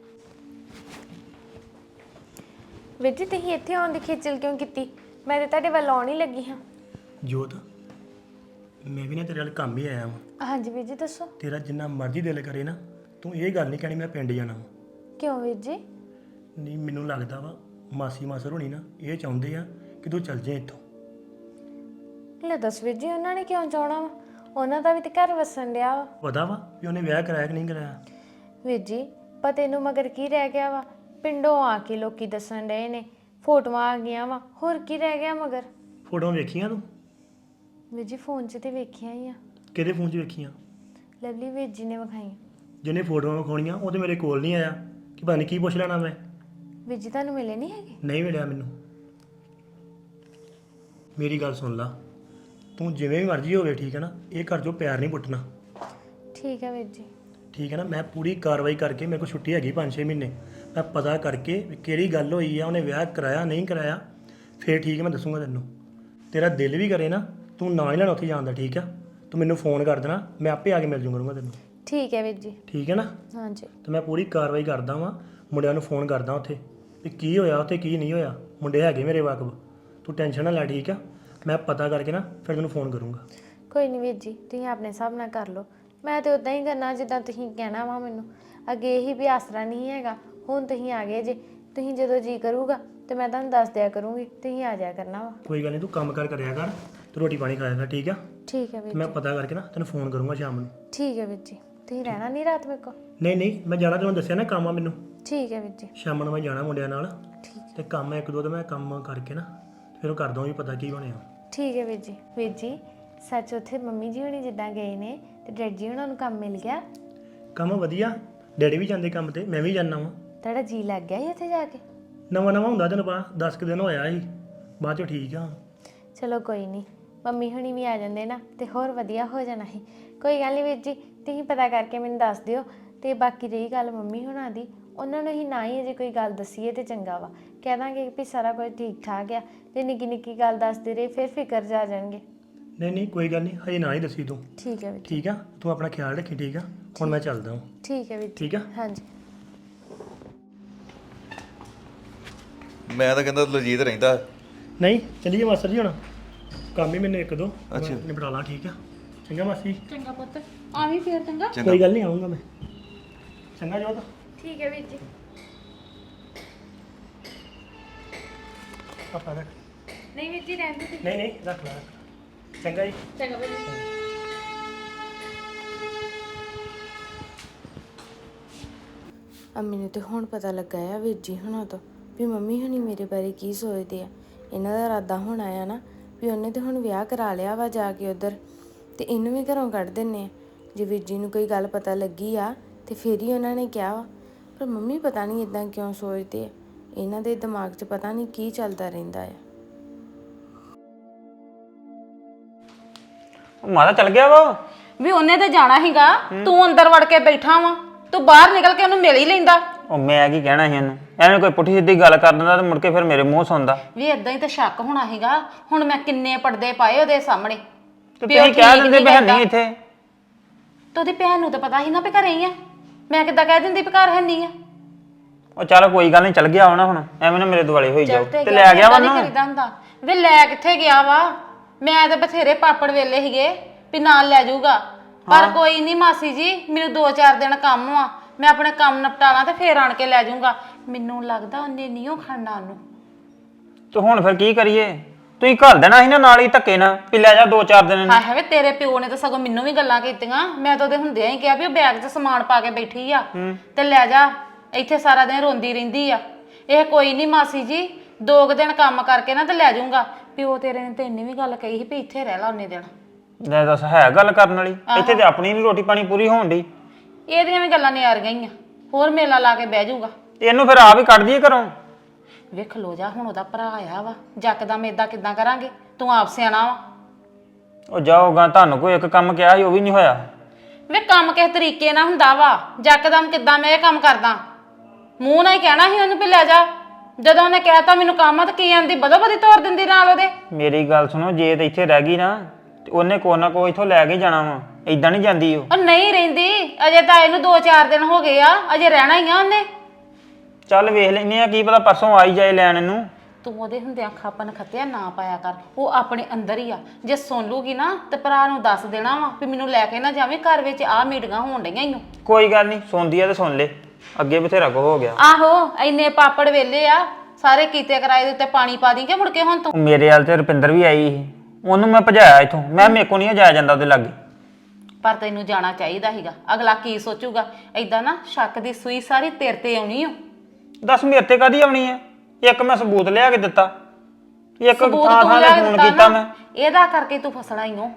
ਵੀਰ ਜੀ ਤੁਸੀਂ ਇੱਥੇ ਆਉਣ ਦੀ ਖੇਚਲ ਕਿਉਂ ਕੀਤੀ? ਮੈਂ ਤੇ ਤੁਹਾਡੇ ਵੱਲ ਆਉਣ ਹੀ ਲੱਗੀ ਹਾਂ। ਜੋਤ, ਮੈਂ ਵੀ ਨਾ ਤੇਰੇ ਨਾਲ ਕੰਮ ਹੀ ਆਇਆ ਵਾਂ। ਹਾਂਜੀ ਵੀਰ ਜੀ ਦੱਸੋ। ਤੇਰਾ ਜਿੰਨਾ ਮਰਜ਼ੀ ਦਿਲ ਕਰੇ ਨਾ, ਤੂੰ ਇਹ ਗੱਲ ਨਹੀਂ ਕਹਿਣੀ ਮੈਂ ਪਿੰਡ ਜਾਣਾ ਵਾ। ਕਿਉਂ ਵੀਰ ਜੀ? ਨਹੀਂ, ਮੈਨੂੰ ਲੱਗਦਾ ਵਾ ਮਾਸੀ ਮਾਸਰ ਹੋਣੀ ਨਾ ਇਹ ਚਾਹੁੰਦੇ ਆ ਕਿ ਤੂੰ ਚੱਲ ਜਾਏ ਇੱਥੋਂ। ਲੈ ਦੱਸ ਵੀਰ ਜੀ, ਉਹਨਾਂ ਨੇ ਕਿਉਂ ਚਾਹਣਾ ਵਾ? ਉਹਨਾਂ ਦਾ ਵੀ ਤੇ ਘਰ ਵਸਣ ਡਿਆ ਵਾ। ਪਤਾ ਵਾ ਵੀ ਉਹਨੇ ਵਿਆਹ ਕਰਾਇਆ ਕਿ ਨਹੀਂ ਕਰਾਇਆ? ਵੀਰ ਜੀ ਪਤੇ ਨੂੰ ਮਗਰ ਕੀ ਰਹਿ ਗਿਆ ਵਾ? ਪਿੰਡੋਂ ਆ ਕੇ ਲੋਕੀ ਦੱਸਣ ਡਏ ਨੇ, ਫੋਟੋਆਂ ਆ ਗਈਆਂ ਵਾ, ਹੋਰ ਕੀ ਰਹਿ ਗਿਆ ਮਗਰ? ਫੋਟੋਆਂ ਵੇਖੀਆਂ ਤੂੰ? ਵੀਰ ਜੀ ਫੋਨ 'ਚ ਤੇ ਵੇਖੀਆਂ ਹੀ ਆ। ਕਿਹਦੇ ਫੋਨ 'ਚ ਵੇਖੀਆਂ? ਲਵਲੀ ਵੀਰ ਜੀ ਨੇ ਵਿਖਾਈਆਂ। ਜਿਹਨੇ ਫੋਟੋਆਂ ਵਿਖਾਉਣੀਆਂ ਉਹ ਤੇ ਮੇਰੇ ਕੋਲ ਨਹੀਂ ਆਇਆ ਕਿ ਪਤਾ ਨਹੀਂ ਕੀ ਪੁੱਛ ਲੈਣਾ ਮੈਂ। ਵੀਰ ਜੀ ਤੁਹਾਨੂੰ ਮਿਲੇ ਨਹੀਂ ਹੈਗੇ? ਨਹੀਂ ਮਿਲਿਆ ਮੈਨੂੰ। ਮੇਰੀ ਗੱਲ ਸੁਣ ਲਾ, ਤੂੰ ਜਿਵੇਂ ਵੀ ਮਰਜ਼ੀ ਹੋਵੇ, ਠੀਕ ਹੈ ਨਾ, ਇਹ ਘਰ 'ਚੋਂ ਪਿਆਰ ਨਹੀਂ ਪੁੱਟਣਾ। ਠੀਕ ਹੈ ਵੀਰ ਜੀ। ਠੀਕ ਹੈ ਨਾ, ਮੈਂ ਪੂਰੀ ਕਾਰਵਾਈ ਕਰਕੇ, ਮੇਰੇ ਕੋਲ ਛੁੱਟੀ ਹੈਗੀ ਪੰਜ ਛੇ ਮਹੀਨੇ, ਮੈਂ ਪਤਾ ਕਰਕੇ ਵੀ ਕਿਹੜੀ ਗੱਲ ਹੋਈ ਆ, ਉਹਨੇ ਵਿਆਹ ਕਰਾਇਆ ਨਹੀਂ ਕਰਾਇਆ, ਫੇਰ ਠੀਕ ਹੈ ਮੈਂ ਦੱਸੂਗਾ ਤੈਨੂੰ। ਤੇਰਾ ਦਿਲ ਵੀ ਕਰੇ ਨਾ, ਤੂੰ ਨਾ ਹੀ ਲੈਣਾ ਉੱਥੇ ਜਾਣ ਦਾ, ਠੀਕ ਆ? ਤੂੰ ਮੈਨੂੰ ਫੋਨ ਕਰ ਦੇਣਾ, ਮੈਂ ਆਪੇ ਆ ਕੇ ਮਿਲ ਜੂ ਕਰੂੰਗਾ ਤੈਨੂੰ। ਠੀਕ ਹੈ ਵੀਰ ਜੀ। ਠੀਕ ਹੈ ਨਾ? ਹਾਂਜੀ। ਤੇ ਮੈਂ ਪੂਰੀ ਕਾਰਵਾਈ ਕਰਦਾ ਵਾਂ, ਮੁੰਡਿਆਂ ਨੂੰ ਫੋਨ ਕਰਦਾ ਉੱਥੇ ਵੀ ਕੀ ਹੋਇਆ ਉੱਥੇ ਕੀ ਨਹੀਂ ਹੋਇਆ। ਮੁੰਡੇ ਹੈਗੇ ਮੇਰੇ ਵਾਕਬ, ਤੂੰ ਟੈਨਸ਼ਨ ਨਾ ਲੈ, ਠੀਕ ਆ? ਮੈਂ ਪਤਾ ਕਰਕੇ ਨਾ ਫਿਰ ਤੈਨੂੰ ਫੋਨ ਕਰੂੰਗਾ। ਕੋਈ ਨਹੀਂ ਵੀਰ ਜੀ, ਤੁਸੀਂ ਆਪਣੇ ਹਿਸਾਬ ਨਾਲ ਕਰ ਲਓ। ਮੈਂ ਤੇ ਉਦਾਂ ਹੀ ਕਰਨਾ ਜਿੱਦਾਂ ਤੁਸੀਂ ਕਹਿਣਾ ਵਾ ਮੈਨੂੰ। ਅੱਗੇ ਇਹੀ ਵੀ ਆਸਰਾ ਨਹੀਂ ਹੈਗਾ, ਹੁਣ ਤੁਸੀਂ ਆ ਗਏ ਜੇ। ਤੁਸੀਂ ਜਦੋਂ ਜੀ ਕਰੂਗਾ ਤੇ ਮੈਂ ਤੁਹਾਨੂੰ ਦੱਸ ਦਿਆ ਕਰੂੰਗੀ, ਤੁਸੀਂ ਆ ਜਾਇਆ ਕਰਨਾ ਵਾ। ਕੋਈ ਗੱਲ ਨਹੀਂ, ਤੂੰ ਕੰਮ ਕਰ ਕਰਿਆ ਕਰ, ਤੇ ਰੋਟੀ ਪਾਣੀ ਖਾਏਗਾ ਠੀਕ ਆ ਠੀਕ ਹੈ ਵੀਰ ਮੈਂ ਪਤਾ ਕਰਕੇ ਨਾ ਤੈਨੂੰ ਫੋਨ ਕਰੂੰਗਾ ਸ਼ਾਮ ਨੂੰ ਠੀਕ ਹੈ ਵੀਰ ਜੀ ਤੁਸੀਂ ਰਹਿਣਾ ਨਹੀਂ ਰਾਤ ਮੇਰੇ ਕੋਲ ਨਹੀਂ ਨਹੀਂ ਮੈਂ ਜਾਣਾ ਤੈਨੂੰ ਦੱਸਿਆ ਨਾ ਕੰਮ ਆ ਮੈਨੂੰ ਠੀਕ ਹੈ ਵੀਰ ਜੀ ਸ਼ਾਮ ਨੂੰ ਮੈਂ ਜਾਣਾ ਮੁੰਡਿਆਂ ਨਾਲ ਠੀਕ ਤੇ ਕੰਮ ਆ ਇੱਕ ਦੋ ਤੇ ਮੈਂ ਕੰਮ ਕਰਕੇ ਨਾ ਫਿਰ ਉਹ ਕਰ ਦਊਂ ਵੀ ਪਤਾ ਕੀ ਬਣਿਆ ਠੀਕ ਹੈ ਵੀਰ ਜੀ ਵੀਰ ਜੀ ਸੱਚ ਉੱਥੇ ਮੰਮੀ ਜੀ ਹੁਣੀ ਜਿੱਦਾਂ ਗਏ ਨੇ ਤੇ ਡੈਡ ਜੀ ਉਹਨਾਂ ਨੂੰ ਕੰਮ ਮਿਲ ਗਿਆ ਕੰਮ ਵਧੀਆ ਡੈਡੀ ਵੀ ਜਾਂਦੇ ਕੰਮ ਤੇ ਮੈਂ ਵੀ ਜਾਂਦਾ ਵਾਂ ਤੁਹਾਡਾ ਜੀ ਲੱਗ ਗਿਆ ਸੀ ਉੱਥੇ ਜਾ ਕੇ ਨਵਾਂ ਨਵਾਂ ਹੁੰਦਾ ਤੈਨੂੰ ਪਤਾ ਦਸ ਕੁ ਦਿਨ ਹੋਇਆ ਸੀ ਬਾਅਦ ਚੋਂ ਠੀਕ ਆ ਚਲੋ ਕੋਈ ਨਹੀਂ ਮੰਮੀ ਹੁਣੀ ਵੀ ਆ ਜਾਂਦੇ ਨਾ ਤੇ ਹੋਰ ਵਧੀਆ ਹੋ ਜਾਣਾ ਸੀ ਕੋਈ ਗੱਲ ਨਹੀਂ ਵੀਰ ਜੀ ਤੁਸੀਂ ਪਤਾ ਕਰਕੇ ਮੈਨੂੰ ਦੱਸ ਦਿਓ ਤੇ ਬਾਕੀ ਰਹੀ ਗੱਲ ਮੰਮੀ ਹੁਣਾਂ ਦੀ ਉਹਨਾਂ ਨੂੰ ਹੀ ਨਾ ਹੀ ਅਜੇ ਕੋਈ ਗੱਲ ਦਸੀਏ ਤੇ ਚੰਗਾ ਵਾ ਕਹਿ ਦਾਂਗੇ ਵੀ ਸਾਰਾ ਕੁਝ ਠੀਕ ਠਾਕ ਆ ਤੇ ਨਿੱਕੀ ਨਿੱਕੀ ਗੱਲ ਦੱਸਦੇ ਰਹੇ ਫਿਰ ਫਿਕਰ ਜਾ ਜਾਣਗੇ ਨਹੀਂ ਨਹੀਂ ਕੋਈ ਗੱਲ ਨਹੀਂ ਹਜੇ ਨਾ ਹੀ ਦੱਸੀ ਤੂੰ ਠੀਕ ਹੈ ਵੀਰ ਜੀ ਠੀਕ ਆ ਤੂੰ ਆਪਣਾ ਖਿਆਲ ਰੱਖੀ ਠੀਕ ਆ ਹੁਣ ਮੈਂ ਚੱਲਦਾ ਹਾਂ ਠੀਕ ਹੈ ਵੀਰ ਜੀ ਠੀਕ ਆ ਹਾਂਜੀ ਮੈਂ ਤਾਂ ਕਹਿੰਦਾ ਲਜੀਤ ਰਹਿੰਦਾ ਨਹੀਂ ਚੱਲੀਏ ਮਾਸਟਰ ਜੀ ਹੁਣ ਕੰਮ ਹੀ ਮੈਨੂੰ ਇੱਕ ਦੋ ਅੱਛਾ। ਮੈਂ ਨਿਪਟਾ ਲਾਂ ਠੀਕ ਆ ਚੰਗਾ ਮਾਸੀ ਚੰਗਾ ਪੁੱਤ ਆਵੀਂ ਫੇਰ ਚੰਗਾ ਕੋਈ ਗੱਲ ਨਹੀਂ ਆਉਂਗਾ ਮੈਂ ਚੰਗਾ ਜੋਤ ਠੀਕ ਹੈ ਵੀਰ ਜੀ ਆਪਾ ਰੱਖ ਨਹੀਂ ਵੀਰ ਜੀ ਰਹਿੰਦੇ ਤੁਸੀਂ ਨਹੀਂ ਨਹੀਂ ਰੱਖ ਲਾ ਰੱਖ। ਚੰਗਾ ਜੀ ਚੰਗਾ ਬਈ ਅੰਮੀ ਨੂੰ ਤੇ ਹੁਣ ਪਤਾ ਲੱਗਾ ਆ ਵੀਰ ਜੀ ਹੁਣਾਂ ਤੋਂ ਵੀ ਮੰਮੀ ਹੁਣੀ ਮੇਰੇ ਬਾਰੇ ਕੀ ਸੋਚਦੇ ਆ ਇਹਨਾਂ ਦਾ ਇਰਾਦਾ ਹੁਣ ਆਇਆ ਨਾ ਵੀ ਉਹਨੇ ਤੇ ਹੁਣ ਵਿਆਹ ਕਰਾ ਲਿਆ ਵਾ ਜਾ ਕੇ ਉਧਰ ਤੇ ਇਹਨੂੰ ਵੀ ਘਰੋਂ ਕੱਢ ਦਿੰਨੇ ਆ ਜੇ ਵੀਰ ਜੀ ਨੂੰ ਕੋਈ ਗੱਲ ਪਤਾ ਲੱਗੀ ਆ ਤੇ ਫੇਰ ਹੀ ਉਹਨਾਂ ਨੇ ਕਿਹਾ ਵਾ ਪਰ ਮੰਮੀ ਪਤਾ ਨਹੀਂ ਇਦਾਂ ਕਿਉਂ ਸੋਚਦੇ ਆ ਇਹਨਾਂ ਦੇ ਦਿਮਾਗ 'ਚ ਪਤਾ ਨਹੀਂ ਕੀ ਚੱਲਦਾ ਰਹਿੰਦਾ ਆ ਉਹ ਮਾਤਾ ਚੱਲ ਗਿਆ ਵਾ ਵੀ ਉਹਨੇ ਤੇ ਜਾਣਾ ਸੀਗਾ ਤੂੰ ਅੰਦਰ ਵੜ ਕੇ ਬੈਠਾ ਵਾ ਤੂੰ ਬਾਹਰ ਨਿਕਲ ਕੇ ਉਹਨੂੰ ਮਿਲ ਹੀ ਲੈਂਦਾ ਉਹ ਮੈਂ ਕੀ ਕਹਿਣਾ ਸੀ ਉਹਨੂੰ ਐਵੇਂ ਕੋਈ ਪੁੱਠੀ ਸਿੱਧੀ ਗੱਲ ਕਰ ਦਿੰਦਾ ਤੇ ਮੁੜ ਕੇ ਫਿਰ ਮੇਰੇ ਮੂੰਹ ਸੁਣਦਾ ਵੀ ਇਦਾਂ ਹੀ ਤਾਂ ਸ਼ੱਕ ਹੋਣਾ ਸੀਗਾ ਹੁਣ ਮੈਂ ਕਿੰਨੇ ਪਰਦੇ ਪਾਏ ਉਹਦੇ ਸਾਹਮਣੇ ਤੇ ਵੀ ਉਹ ਤੁਸੀਂ ਕਹਿ ਠੀਕ ਦਿੰਦੇ ਨੀ ਬਹਿ ਨਹੀਂ ਕਰਦਾ। ਇੱਥੇ ਤੇ ਉਹਦੀ ਭੈਣ ਨੂੰ ਤਾਂ ਪਤਾ ਸੀ ਨਾ ਵੀ ਘਰੇ ਹੀ ਆ ਮੈਂ ਕਿੱਦਾਂ ਕਹਿ ਦਿੰਦੀ ਵੀ ਘਰ ਹੈ ਨਹੀਂ ਆ ਉਹ ਚੱਲ ਕੋਈ ਗੱਲ ਨਹੀਂ ਚੱਲ ਗਿਆ ਹੋਣਾ ਹੁਣ ਐਵੇਂ ਨਾ ਮੇਰੇ ਦੁਆਲੇ ਹੋਈ ਜਾਓ ਚੱਲ ਤੇ ਲੈ ਗਿਆ ਵਾ ਨਹੀਂ ਨਾ ਕਰੀਦਾ ਹੁੰਦਾ ਵੇ ਲੈ ਕਿੱਥੇ ਗਿਆ ਵਾ ਮੈਂ ਤਾਂ ਬਥੇਰੇ ਪਾਪੜ ਵੇਲੇ ਸੀਗੇ ਵੀ ਨਾਲ ਲੈ ਜਾਊਗਾ ਪਰ ਕੋਈ ਨਹੀਂ ਮਾਸੀ ਜੀ ਮੈਨੂੰ ਦੋ ਚਾਰ ਦਿਨ ਕੰਮ ਆ ਮੈਂ ਆਪਣੇ ਕੰਮ ਨਿਪਟਾਲਾਂ ਤੇ ਫੇਰ ਆਣ ਕੇ ਲੈ ਜਾਊਗਾ ਮੈਨੂੰ ਲੱਗਦਾ ਉਹਨੇ ਨਹੀਂ ਉਹ ਖੜਨਾ ਉਹਨੂੰ ਤੇ ਹੁਣ ਫਿਰ ਕੀ ਕਰੀਏ ਤੁਸੀਂ ਘਰ ਦੇਣਾ ਸੀ ਨਾ ਨਾਲ ਹੀ ਧੱਕੇ ਨਾ ਵੀ ਲੈ ਜਾ ਦੋ ਚਾਰ ਦਿਨ ਹਾਏ ਹਾਏ ਵੇ ਤੇਰੇ ਪਿਓ ਨੇ ਤਾਂ ਸਗੋਂ ਮੈਨੂੰ ਵੀ ਗੱਲਾਂ ਕੀਤੀਆਂ ਮੈਂ ਤਾਂ ਉਹਦੇ ਹੁੰਦਿਆਂ ਹੀ ਕਿਹਾ ਵੀ ਉਹ ਬੈਗ 'ਚ ਸਮਾਨ ਪਾ ਕੇ ਬੈਠੀ ਆ ਤੇ ਲੈ ਜਾ ਇੱਥੇ ਸਾਰਾ ਦਿਨ ਰੋਂਦੀ ਰਹਿੰਦੀ ਆ ਇਹ ਕੋਈ ਨਹੀਂ ਮਾਸੀ ਜੀ ਦੋ ਕੁ ਦਿਨ ਕੰਮ ਕਰਕੇ ਨਾ ਤੇ ਲੈ ਜਾਊਗਾ ਪਿਓ ਤੇਰੇ ਨੇ ਤੇ ਇੰਨੀ ਵੀ ਗੱਲ ਕਹੀ ਸੀ ਵੀ ਇੱਥੇ ਰਹਿ ਲਾ ਉਹਨੇ ਦਿਨ ਲੈ ਦੱਸ ਹੈ ਗੱਲ ਕਰਨ ਵਾਲੀ ਇੱਥੇ ਤੇ ਆਪਣੀ ਨੀ ਰੋਟੀ ਪਾਣੀ ਪੂਰੀ ਹੋਣ ਦੀ ਇਹਦੀਆਂ ਵੀ ਗੱਲਾਂ ਨਿਆਰ ਗਈਆਂ ਹੋਰ ਮੇਲਾ ਲਾ ਕੇ ਬਹਿ ਜਾਊਗਾ ਇਹਨੂੰ ਫਿਰ ਆਪ ਹੀ ਕੱਢ ਦਈਏ ਘਰੋਂ ਵੇਖ ਲੋ ਜਾ ਹੁਣ ਉਹਦਾ ਭਰਾ ਆਇਆ ਵਾ ਜੱਕਦਮ ਏਦਾਂ ਕਿੱਦਾਂ ਕਰਾਂਗੇ ਤੂੰ ਆਪ ਸਿਆਣਾ ਵਾ ਉਹ ਜਾਓਗਾ ਤੁਹਾਨੂੰ ਕੋਈ ਇੱਕ ਕੰਮ ਕਿਹਾ ਸੀ ਉਹ ਵੀ ਨਹੀਂ ਹੋਇਆ ਵੇ ਕੰਮ ਕਿਸ ਤਰੀਕੇ ਨਾਲ ਹੁੰਦਾ ਵਾ ਜੱਕਦਮ ਕਿੱਦਾਂ ਮੈਂ ਇਹ ਕੰਮ ਕਰਦਾ ਮੂੰਹ ਨਾਲ ਹੀ ਕਹਿਣਾ ਸੀ ਉਹਨੂੰ ਵੀ ਲੈ ਜਾ ਜਦੋਂ ਉਹਨੇ ਕਹਿਤਾ ਮੈਨੂੰ ਕੰਮ ਆ ਤਾਂ ਕੀ ਆਂਦੀ ਬਦੋ ਬਦੀ ਤੋਰ ਦਿੰਦੀ ਨਾਲ ਉਹਦੇ ਮੇਰੀ ਗੱਲ ਸੁਣੋ ਜੇ ਤੇ ਇੱਥੇ ਰਹਿ ਗਈ ਨਾ ਤੇ ਉਹਨੇ ਕੋਈ ਨਾ ਕੋਈ ਇੱਥੋਂ ਲੈ ਕੇ ਜਾਣਾ ਵਾ ਏਦਾਂ ਨਹੀਂ ਜਾਂਦੀ ਉਹ ਉਹ ਨਹੀਂ ਰਹਿੰਦੀ ਅਜੇ ਤਾਂ ਇਹਨੂੰ ਦੋ ਚਾਰ ਦਿਨ ਹੋ ਗਏ ਆ ਅਜੇ ਰਹਿਣਾ ਹੀ ਆ ਉਹਨੇ ਚੱਲ ਵੇਖ ਲੈਨੇ ਆ ਕੀ ਪਤਾ ਪਰਸੋਂ ਆਈ ਜਾਏ ਲੈਣ ਇਹਨੂੰ ਤੂੰ ਉਹਦੇ ਹੁੰਦਿਆਂ ਖਾਪਨ ਖੱਤਿਆ ਨਾ ਪਾਇਆ ਕਰ ਉਹ ਆਪਣੇ ਅੰਦਰ ਹੀ ਆ ਜੇ ਸੁਣ ਲੂਗੀ ਨਾ ਤੇ ਭਰਾ ਨੂੰ ਦੱਸ ਦੇਣਾ ਵਾ ਵੀ ਮੈਨੂੰ ਲੈ ਕੇ ਨਾ ਜਾਵੇਂ ਘਰ ਵਿੱਚ ਆ ਮੀਟਿੰਗਾਂ ਹੋਣ ਡਈਆਂ ਈਓ ਕੋਈ ਗੱਲ ਨਹੀਂ ਸੁਣਦੀ ਆ ਤੇ ਸੁਣ ਲੈ ਅੱਗੇ ਬਥੇਰਾ ਕੋ ਹੋ ਗਿਆ ਆਹੋ ਇੰਨੇ ਪਾਪੜ ਵੇਲੇ ਆ ਸਾਰੇ ਕੀਤੇ ਕਰਾਏ ਦੇ ਉੱਤੇ ਪਾਣੀ ਪਾ ਦੀ ਕਿ ਮੁੜ ਕੇ ਹੁਣ ਤੂੰ ਉਹ ਮੇਰੇ ਹਾਲ ਤੇ ਰੁਪਿੰਦਰ ਵੀ ਆਈ ਸੀ ਉਹਨੂੰ ਮੈਂ ਭਜਾਇਆ ਇੱਥੋਂ ਮੈਂ ਮੇਰੇ ਕੋ ਨਹੀਂ ਜਾਇਆ ਜਾਂਦਾ ਉਹਦੇ ਲਾਗੇ ਪਰ ਤੈਨੂੰ ਜਾਣਾ ਚਾਹੀਦਾ ਸੀਗਾ ਅਗਲਾ ਕੀ ਸੋਚੂਗਾ ਐਦਾਂ ਨਾ ਸ਼ੱਕ ਦੀ ਸੂਈ ਸਾਰੀ ਤੇਰੇ ਤੇ ਆਉਣੀ ਓ ਦੱਸ ਮੇਰੇ ਤੇ ਕਾਦੀ ਆਉਣੀ ਆ ਇੱਕ ਮੈਂ ਸਬੂਤ ਲਿਆ ਕੇ ਦਿੱਤਾ ਇੱਕ ਸਬੂਤ ਥਾਂ ਤੂੰ ਥਾਂ ਲਿਆ ਤੇ ਕੇ ਫੋਨ ਦਿੱਤਾ ਕੀਤਾ ਨਾ, ਮੈਂ ਇਹਦਾ ਕਰਕੇ ਤੂੰ ਫਸਣਾ ਹੀ ਓ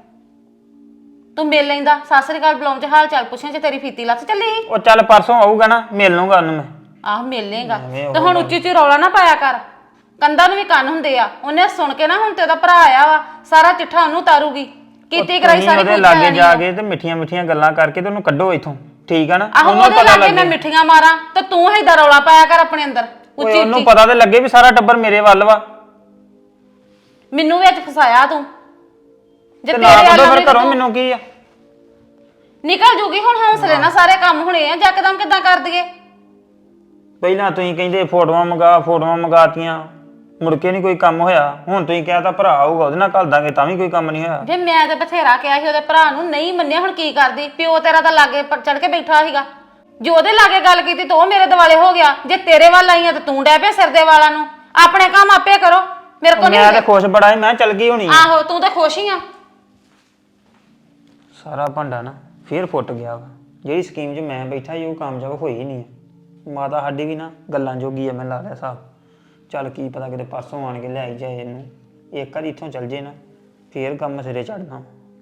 ਤੂੰ ਮਿਲ ਲੈਂਦਾ ਸਾਸਰੀ ਘਰ ਬੁਲਾਉਣ ਚ ਹਾਲ ਚਾਲ ਪੁੱਛਣ ਚ ਤੇਰੀ ਫੀਤੀ ਲੱਥ ਚੱਲੀ ਸੀ। ਉਹ ਚੱਲ ਪਰਸੋਂ ਆਊਗਾ ਨਾ ਮਿਲ ਲੂੰਗਾ ਉਹਨੂੰ ਮੈਂ ਆਹ ਮਿਲ ਲੇਗਾ ਐਵੇਂ ਉਹ ਤੇ ਹੁਣ ਉੱਚੀ ਉੱਚੀ ਰੌਲਾ ਨਾ ਪਾਇਆ ਕਰ ਕੰਧਾਂ ਨੂੰ ਵੀ ਕੰਨ ਹੁੰਦੇ ਆ ਉਹਨੇ ਸੁਣ ਕੇ ਨਾ ਹੁਣ ਤੇ ਉਹਦਾ ਭਰਾ ਆਇਆ ਵਾ ਸਾਰਾ ਚਿੱਠਾ ਉਹਨੂੰ ਤਾਰੂਗੀ ਕੀਤੀ ਕਰਾਈ ਤੁਸੀਂ ਸਾਰੀ ਉਹਦੇ ਕੁਝ ਲਾਗੇ ਜਾ ਕੇ ਤੇ ਮਿੱਠੀਆਂ ਮਿੱਠੀਆਂ ਗੱਲਾਂ ਕਰਕੇ ਤੇ ਉਹਨੂੰ ਕੱਢੋ ਇੱਥੋਂ ਠੀਕ ਆ ਨਾ ਆਹੋ ਉਹਦੇ ਲਾਗੇ ਮੈਂ ਮਿੱਠੀਆਂ ਮਾਰਾਂ ਤੇ ਤੂੰ ਏਦਾਂ ਰੌਲਾ ਪਾਇਆ ਕਰ ਆਪਣੇ ਅੰਦਰ ਓਏ ਉੱਚੀ ਉਹਨੂੰ ਉੱਚੀ ਪਤਾ ਤੇ ਲੱਗੇ ਵੀ ਸਾਰਾ ਟੱਬਰ ਮੇਰੇ ਵੱਲ ਵਾ ਮੈਨੂੰ ਵਿੱਚ ਫਸਾਇਆ ਤੂੰ ਜੇ ਤੇ ਤੇਰੇ ਨਾ ਕੱਢੋ ਵਾਲਾ ਫਿਰ ਵੀ ਘਰੋਂ ਤੂੰ- ਮੈਨੂੰ ਕੀ ਆ ਨਿਕਲ ਜੂਗੀ ਹੁਣ ਹੌਸਲੇ ਨਾਲ ਸਾਰੇ ਕੰਮ ਹੋਣੇ ਆ ਜੱਕਦਮ ਕਿੱਦਾਂ ਕਰ ਦਈਏ ਪਹਿਲਾਂ ਤੁਸੀਂ ਕਹਿੰਦੇ ਫੋਟੋਆਂ ਮੰਗਾ ਫੋਟੋਆਂ ਮੰਗਾਤੀਆਂ ਮੁੜ ਕੇ ਨਹੀਂ ਕੋਈ ਕੰਮ ਹੋਇਆ ਹੁਣ ਤੁਸੀਂ ਕਹਿਤਾ ਭਰਾ ਆਊਗਾ ਉਹਦੇ ਨਾਲ ਘੱਲ ਦਾਂਗੇ ਤਾਂ ਵੀ ਕੋਈ ਕੰਮ ਨਹੀਂ ਹੋਇਆ ਜੇ ਮੈਂ ਤੇ ਬਥੇਰਾ ਕਿਹਾ ਸੀ ਉਹਦੇ ਭਰਾ ਨੂੰ ਨਹੀਂ ਮੰਨਿਆ ਹੁਣ ਕੀ ਕਰਦੀ ਪਿਓ ਤੇਰਾ ਤਾਂ ਲਾਗੇ ਚੜ ਕੇ ਬੈਠਾ ਸੀਗਾ ਜੇ ਉਹਦੇ ਲਾਗੇ ਗੱਲ ਕੀਤੀ ਤਾਂ ਉਹ ਮੇਰੇ ਦਿਵਾਲੇ ਹੋ ਗਿਆ ਜੇ ਤੇਰੇ ਵੱਲ ਆਈਆਂ ਤਾਂ ਤੂੰ ਡੈ ਪਿਆ ਸਿਰ ਦੇ ਵਾਲਾਂ ਨੂੰ ਆਪਣੇ ਕੰਮ ਆਪੇ ਕਰੋ ਮੇਰੇ ਕੋਲ ਮੈਂ ਤਾਂ ਖੁਸ਼ ਬੜਾ ਸੀ, ਮੈਂ ਚੱਲ ਗਈ ਹੋਣੀ ਆ। ਆਹੋ ਤੂੰ ਤਾਂ ਖੁਸ਼ ਹੀ ਆ। ਸਾਰਾ ਭਾਂਡਾ ਨਾ ਫੇਰ ਫੁੱਟ ਗਿਆ ਵਾ। ਜਿਹੜੀ ਸਕੀਮ 'ਚ ਮੈਂ ਬੈਠਾ ਸੀ ਉਹ ਕਾਮਯਾਬ ਹੋਈ ਨਹੀਂ ਆ। ਮਾਤਾ ਸਾਡੀ ਵੀ ਨਾ ਗੱਲਾਂ ਜੋਗੀ ਆ, ਮੈਂ ਲਾ ਲਿਆ ਹਿਸਾਬ। ਚੱਲ ਕੀ ਪਤਾ ਕਿਤੇ ਪਰਸੋਂ ਆਣ ਕੇ ਲਿਆਈ ਜਾਏ ਇਹਨੂੰ, ਇੱਕ ਵਾਰੀ ਇੱਥੋਂ ਚੱਲ ਜੇ ਨਾ ਫੇਰ ਕੰਮ ਸਿਰੇ ਚੜਨਾ।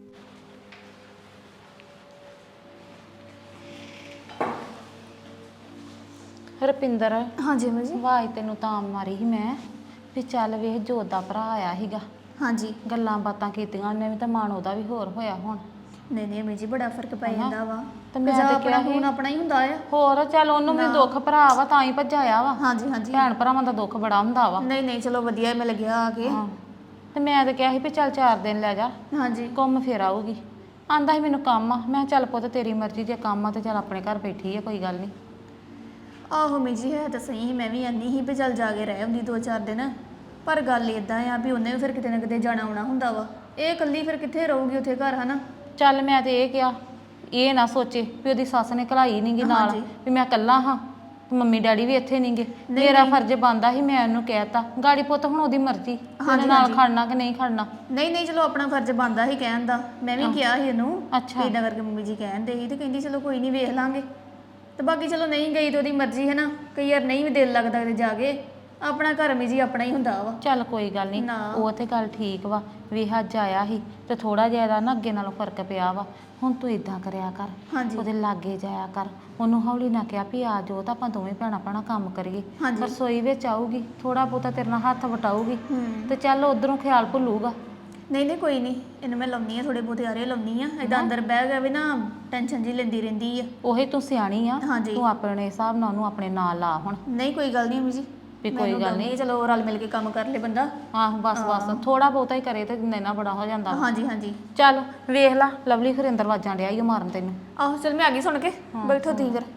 ਰੁਪਿੰਦਰ ਹਾਂਜੀ ਮੰਮੀ ਜੀ। ਆਵਾਜ਼ ਤੈਨੂੰ ਤਾਂ ਮਾਰੀ ਸੀ ਮੈਂ ਵੀ ਚੱਲ ਵੇਖ ਜੋਤ ਦਾ ਭਰਾ ਆਇਆ ਸੀਗਾ, ਹਾਂਜੀ। ਗੱਲਾਂ ਬਾਤਾਂ ਕੀਤੀਆਂ ਉਹਨੇ ਵੀ, ਤਾਂ ਮਨ ਉਹਦਾ ਵੀ ਹੋਰ ਹੋਇਆ ਹੁਣ। ਨਹੀਂ ਨਹੀਂ ਮੰਮੀ ਜੀ, ਬੜਾ ਫਰਕ ਪੈ ਜਾਂਦਾ ਵਾ। ਤੇ ਮੈਂ ਤਾਂ ਕਿਹਾ ਹੁਣ ਆਪਣਾ ਹੀ ਹੁੰਦਾ ਆ। ਹੋਰ ਚੱਲ ਉਹਨੂੰ ਵੀ ਦੁੱਖ ਭਰਾ ਵਾ ਤਾਂ ਹੀ ਭੱਜਾਇਆ ਵਾ। ਹਾਂਜੀ ਹਾਂਜੀ। ਭੈਣ ਭਰਾਵਾਂ ਦਾ ਦੁੱਖ ਬੜਾ ਹੁੰਦਾ ਵਾ। ਨਹੀਂ ਨਹੀਂ ਚਲੋ ਵਧੀਆ, ਮੈਂ ਲੱਗਿਆ ਆ ਕੇ। ਹਾਂ ਤੇ ਮੈਂ ਤਾਂ ਕਿਹਾ ਸੀ ਵੀ ਚੱਲ ਚਾਰ ਦਿਨ ਲੈ ਜਾ, ਹਾਂਜੀ। ਘੁੰਮ ਫਿਰ ਆਊਗੀ। ਆਂਦਾ ਸੀ ਮੈਨੂੰ ਕੰਮ ਆ। ਮੈਂ ਕਿਹਾ ਚੱਲ ਪੁੱਤ ਤੇਰੀ ਮਰਜ਼ੀ, ਜੇ ਕੰਮ ਆ ਤੇ ਚੱਲ ਆਪਣੇ ਘਰ ਬੈਠੀ ਆ, ਕੋਈ ਗੱਲ ਨਹੀਂ। ਆਹੋ ਮੰਮੀ ਜੀ, ਹੈ ਤਾਂ ਸਹੀ ਸੀ। ਮੈਂ ਵੀ ਆਨੀ ਸੀ ਵੀ ਚੱਲ ਜਾ ਕੇ ਰਹਿ ਹੁੰਦੀ ਦੋ ਚਾਰ ਦਿਨ, ਪਰ ਗੱਲ ਇਦਾਂ ਆ ਵੀ ਉਹਨੇ ਵੀ ਫਿਰ ਕਿਤੇ ਨਾ ਕਿਤੇ ਜਾਣਾ ਆਉਣਾ ਹੁੰਦਾ ਵਾ। ਇਹ ਇਕੱਲੀ ਫਿਰ ਕਿੱਥੇ ਰਹੂਗੀ ਉੱਥੇ ਘਰ, ਹਨਾ। ਚੱਲ ਮੈਂ ਤੇ ਇਹ ਕਿਹਾ, ਇਹ ਨਾ ਸੋਚੇ ਵੀ ਉਹਦੀ ਸੱਸ ਨੇ ਘਲਾਈ ਨਹੀਂਗੀ ਨਾਲ, ਵੀ ਮੈਂ ਇਕੱਲਾ ਹਾਂ, ਮੰਮੀ ਡੈਡੀ ਵੀ ਇੱਥੇ ਨਹੀਂਗੇ। ਮੇਰਾ ਫਰਜ਼ ਬਣਦਾ ਸੀ, ਮੈਂ ਉਹਨੂੰ ਕਹਿਤਾ। ਗਾੜੀ ਪੁੱਤ ਹੁਣ ਉਹਦੀ ਮਰਜ਼ੀ, ਉਹਦੇ ਨਾਲ ਖੜਨਾ ਕਿ ਨਹੀਂ ਖੜਨਾ। ਨਹੀਂ ਨਹੀਂ ਚਲੋ ਆਪਣਾ ਫਰਜ਼ ਬਣਦਾ ਸੀ ਕਹਿਣ ਦਾ। ਮੈਂ ਵੀ ਕਿਹਾ ਸੀ ਇਹਨੂੰ, ਅੱਛਾ ਇਦਾਂ ਕਰਕੇ ਮੰਮੀ ਜੀ ਕਹਿੰਦੇ ਸੀ ਤੇ ਕਹਿੰਦੀ ਚਲੋ ਕੋਈ ਨਹੀਂ ਵੇਖ ਲਾਂਗੇ। ਤੇ ਬਾਕੀ ਚਲੋ ਨਹੀਂ ਗਈ ਤੇ ਉਹਦੀ ਮਰਜ਼ੀ ਹੈ ਨਾ। ਕਈ ਵਾਰ ਨਹੀਂ ਵੀ ਦਿਲ ਲੱਗਦਾ ਕਿਤੇ ਜਾ ਕੇ, ਆਪਣਾ ਘਰ ਮੀ ਜੀ ਆਪਣਾ ਹੀ ਹੁੰਦਾ ਵਾ। ਚੱਲ ਕੋਈ ਗੱਲ ਨਹੀਂ, ਉਹ ਤੇ ਗੱਲ ਠੀਕ ਵਾ ਵੀ ਹੱਜ ਆਇਆ ਸੀ ਤੇ ਥੋੜਾ ਜਿਹਾ ਇਹਦਾ ਨਾ ਅੱਗੇ ਨਾਲੋਂ ਫਰਕ ਪਿਆ ਵਾ। ਹੁਣ ਤੂੰ ਇਦਾਂ ਕਰਿਆ ਕਰ, ਉਹਦੇ ਲਾਗੇ ਜਾਇਆ ਕਰ, ਉਹਨੂੰ ਹੌਲੀ ਨਾ ਕਿਹਾ ਵੀ ਆ ਜੋ ਤਾਂ ਆਪਾਂ ਦੋਵੇਂ ਭੈਣਾਂ ਭੈਣਾਂ ਕੰਮ ਕਰੀਏ। ਰਸੋਈ ਵਿੱਚ ਆਊਗੀ, ਥੋੜਾ ਬਹੁਤਾ ਤੇਰੇ ਨਾਲ ਹੱਥ ਵਟਾਊਗੀ ਤੇ ਚੱਲ ਉਧਰੋਂ ਖਿਆਲ ਭੁੱਲੂਗਾ। ਨਹੀਂ ਨਹੀਂ ਕੋਈ ਨਹੀਂ, ਇਹਨੂੰ ਮੈਂ ਲਾਉਣੀ ਆ, ਥੋੜੇ ਬਹੁਤੇ ਆਰੇ ਲਾਉਣੀ ਆ। ਏਦਾਂ ਅੰਦਰ ਬਹਿ ਗਿਆ ਵੀ ਨਾ ਟੈਨਸ਼ਨ ਜੀ ਲੈਂਦੀ ਰਹਿੰਦੀ ਆ। ਉਹੀ ਤੂੰ ਸਿਆਣੀ ਆ, ਤੂੰ ਆਪਣੇ ਹਿਸਾਬ ਨਾਲ ਉਹਨੂੰ ਆਪਣੇ ਨਾਲ ਲਾ। ਹੁਣ ਨਹੀਂ ਕੋਈ ਗੱਲ ਨਹੀਂ ਅਮੀ ਜੀ, ਵੀ ਕੋਈ ਗੱਲ ਨਹੀਂ, ਚਲੋ ਰਲ ਮਿਲ ਕੇ ਕੰਮ ਕਰ ਲੇ ਬੰਦਾ। ਆਹੋ ਬਸ ਬਸ ਥੋੜਾ ਬਹੁਤਾ ਹੀ ਕਰੇ ਤੇ ਇੰਨਾ ਬੜਾ ਹੋ ਜਾਂਦਾ। ਹਾਂਜੀ ਹਾਂਜੀ। ਚੱਲ ਵੇਖ ਲਾ, ਲਵਲੀ ਫਿਰ ਅੰਦਰ ਵਾਜਾਂ ਡਿਆ ਈ ਮਾਰਨ ਤੈਨੂੰ। ਆਹੋ ਚਲ ਮੈਂ ਆ ਗਈ ਸੁਣ ਕੇ, ਬੈਠੋ ਤੁਸੀਂ ਫਿਰ।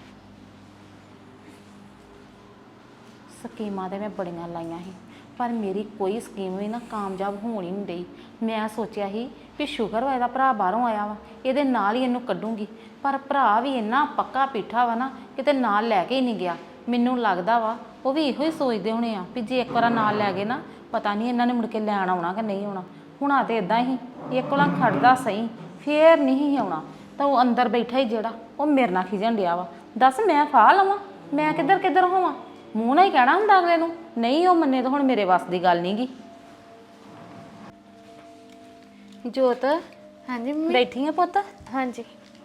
ਸਕੀਮਾਂ ਤੇ ਮੈਂ ਬੜੀਆਂ ਲਾਈਆਂ ਸੀ, ਪਰ ਮੇਰੀ ਕੋਈ ਸਕੀਮ ਵੀ ਨਾ ਕਾਮਯਾਬ ਹੋਣ ਹੀ ਨਹੀਂ ਡਈ। ਮੈਂ ਸੋਚਿਆ ਸੀ ਵੀ ਸ਼ੁਕਰ ਵਾ ਇਹਦਾ ਭਰਾ ਬਾਹਰੋਂ ਆਇਆ ਵਾ, ਇਹਦੇ ਨਾਲ ਹੀ ਇਹਨੂੰ ਕੱਢੂੰਗੀ। ਪਰ ਭਰਾ ਵੀ ਇੰਨਾ ਪੱਕਾ ਪੀਠਾ ਵਾ ਨਾ, ਕਿਤੇ ਨਾਲ ਲੈ ਕੇ ਹੀ ਨਹੀਂ ਗਿਆ। ਮੈਨੂੰ ਲੱਗਦਾ ਵਾ ਉਹ ਵੀ ਇਹੋ ਹੀ ਸੋਚਦੇ ਹੋਣੇ ਆ ਵੀ ਜੇ ਇੱਕ ਵਾਰ ਨਾਲ ਲੈ ਗਏ ਨਾ, ਪਤਾ ਨਹੀਂ ਇਹਨਾਂ ਨੇ ਮੁੜ ਕੇ ਲੈਣ ਆਉਣਾ ਕਿ ਨਹੀਂ ਆਉਣਾ। ਹੁਣ ਆ ਤੇ ਇਦਾਂ ਹੀ ਇੱਕ ਵਾਰ ਖੜਦਾ ਸਹੀ, ਫੇਰ ਨਹੀਂ ਆਉਣਾ। ਤਾਂ ਉਹ ਅੰਦਰ ਬੈਠਾ ਹੀ ਜਿਹੜਾ, ਉਹ ਮੇਰੇ ਨਾਲ ਖਿਜਣ ਡਿਆ ਵਾ। ਦੱਸ ਮੈਂ ਫਾਹ ਲਵਾਂ, ਮੈਂ ਕਿੱਧਰ ਕਿੱਧਰ ਹੋਵਾਂ? ਮੂੰਹ ਨਾਲ ਹੀ ਕਹਿਣਾ ਹੁੰਦਾ ਅਗਲੇ ਨੂੰ, ਨਹੀਂ ਉਹ ਮੰਨੇ ਤਾਂ ਹੁਣ ਮੇਰੇ ਵੱਸ ਦੀ ਗੱਲ ਨਹੀਂ ਗੀ। ਜੋਤ ਹਾਂਜੀ ਮੰਮੀ। ਬੈਠੀ ਆ ਪੁੱਤ? ਹਾਂਜੀ।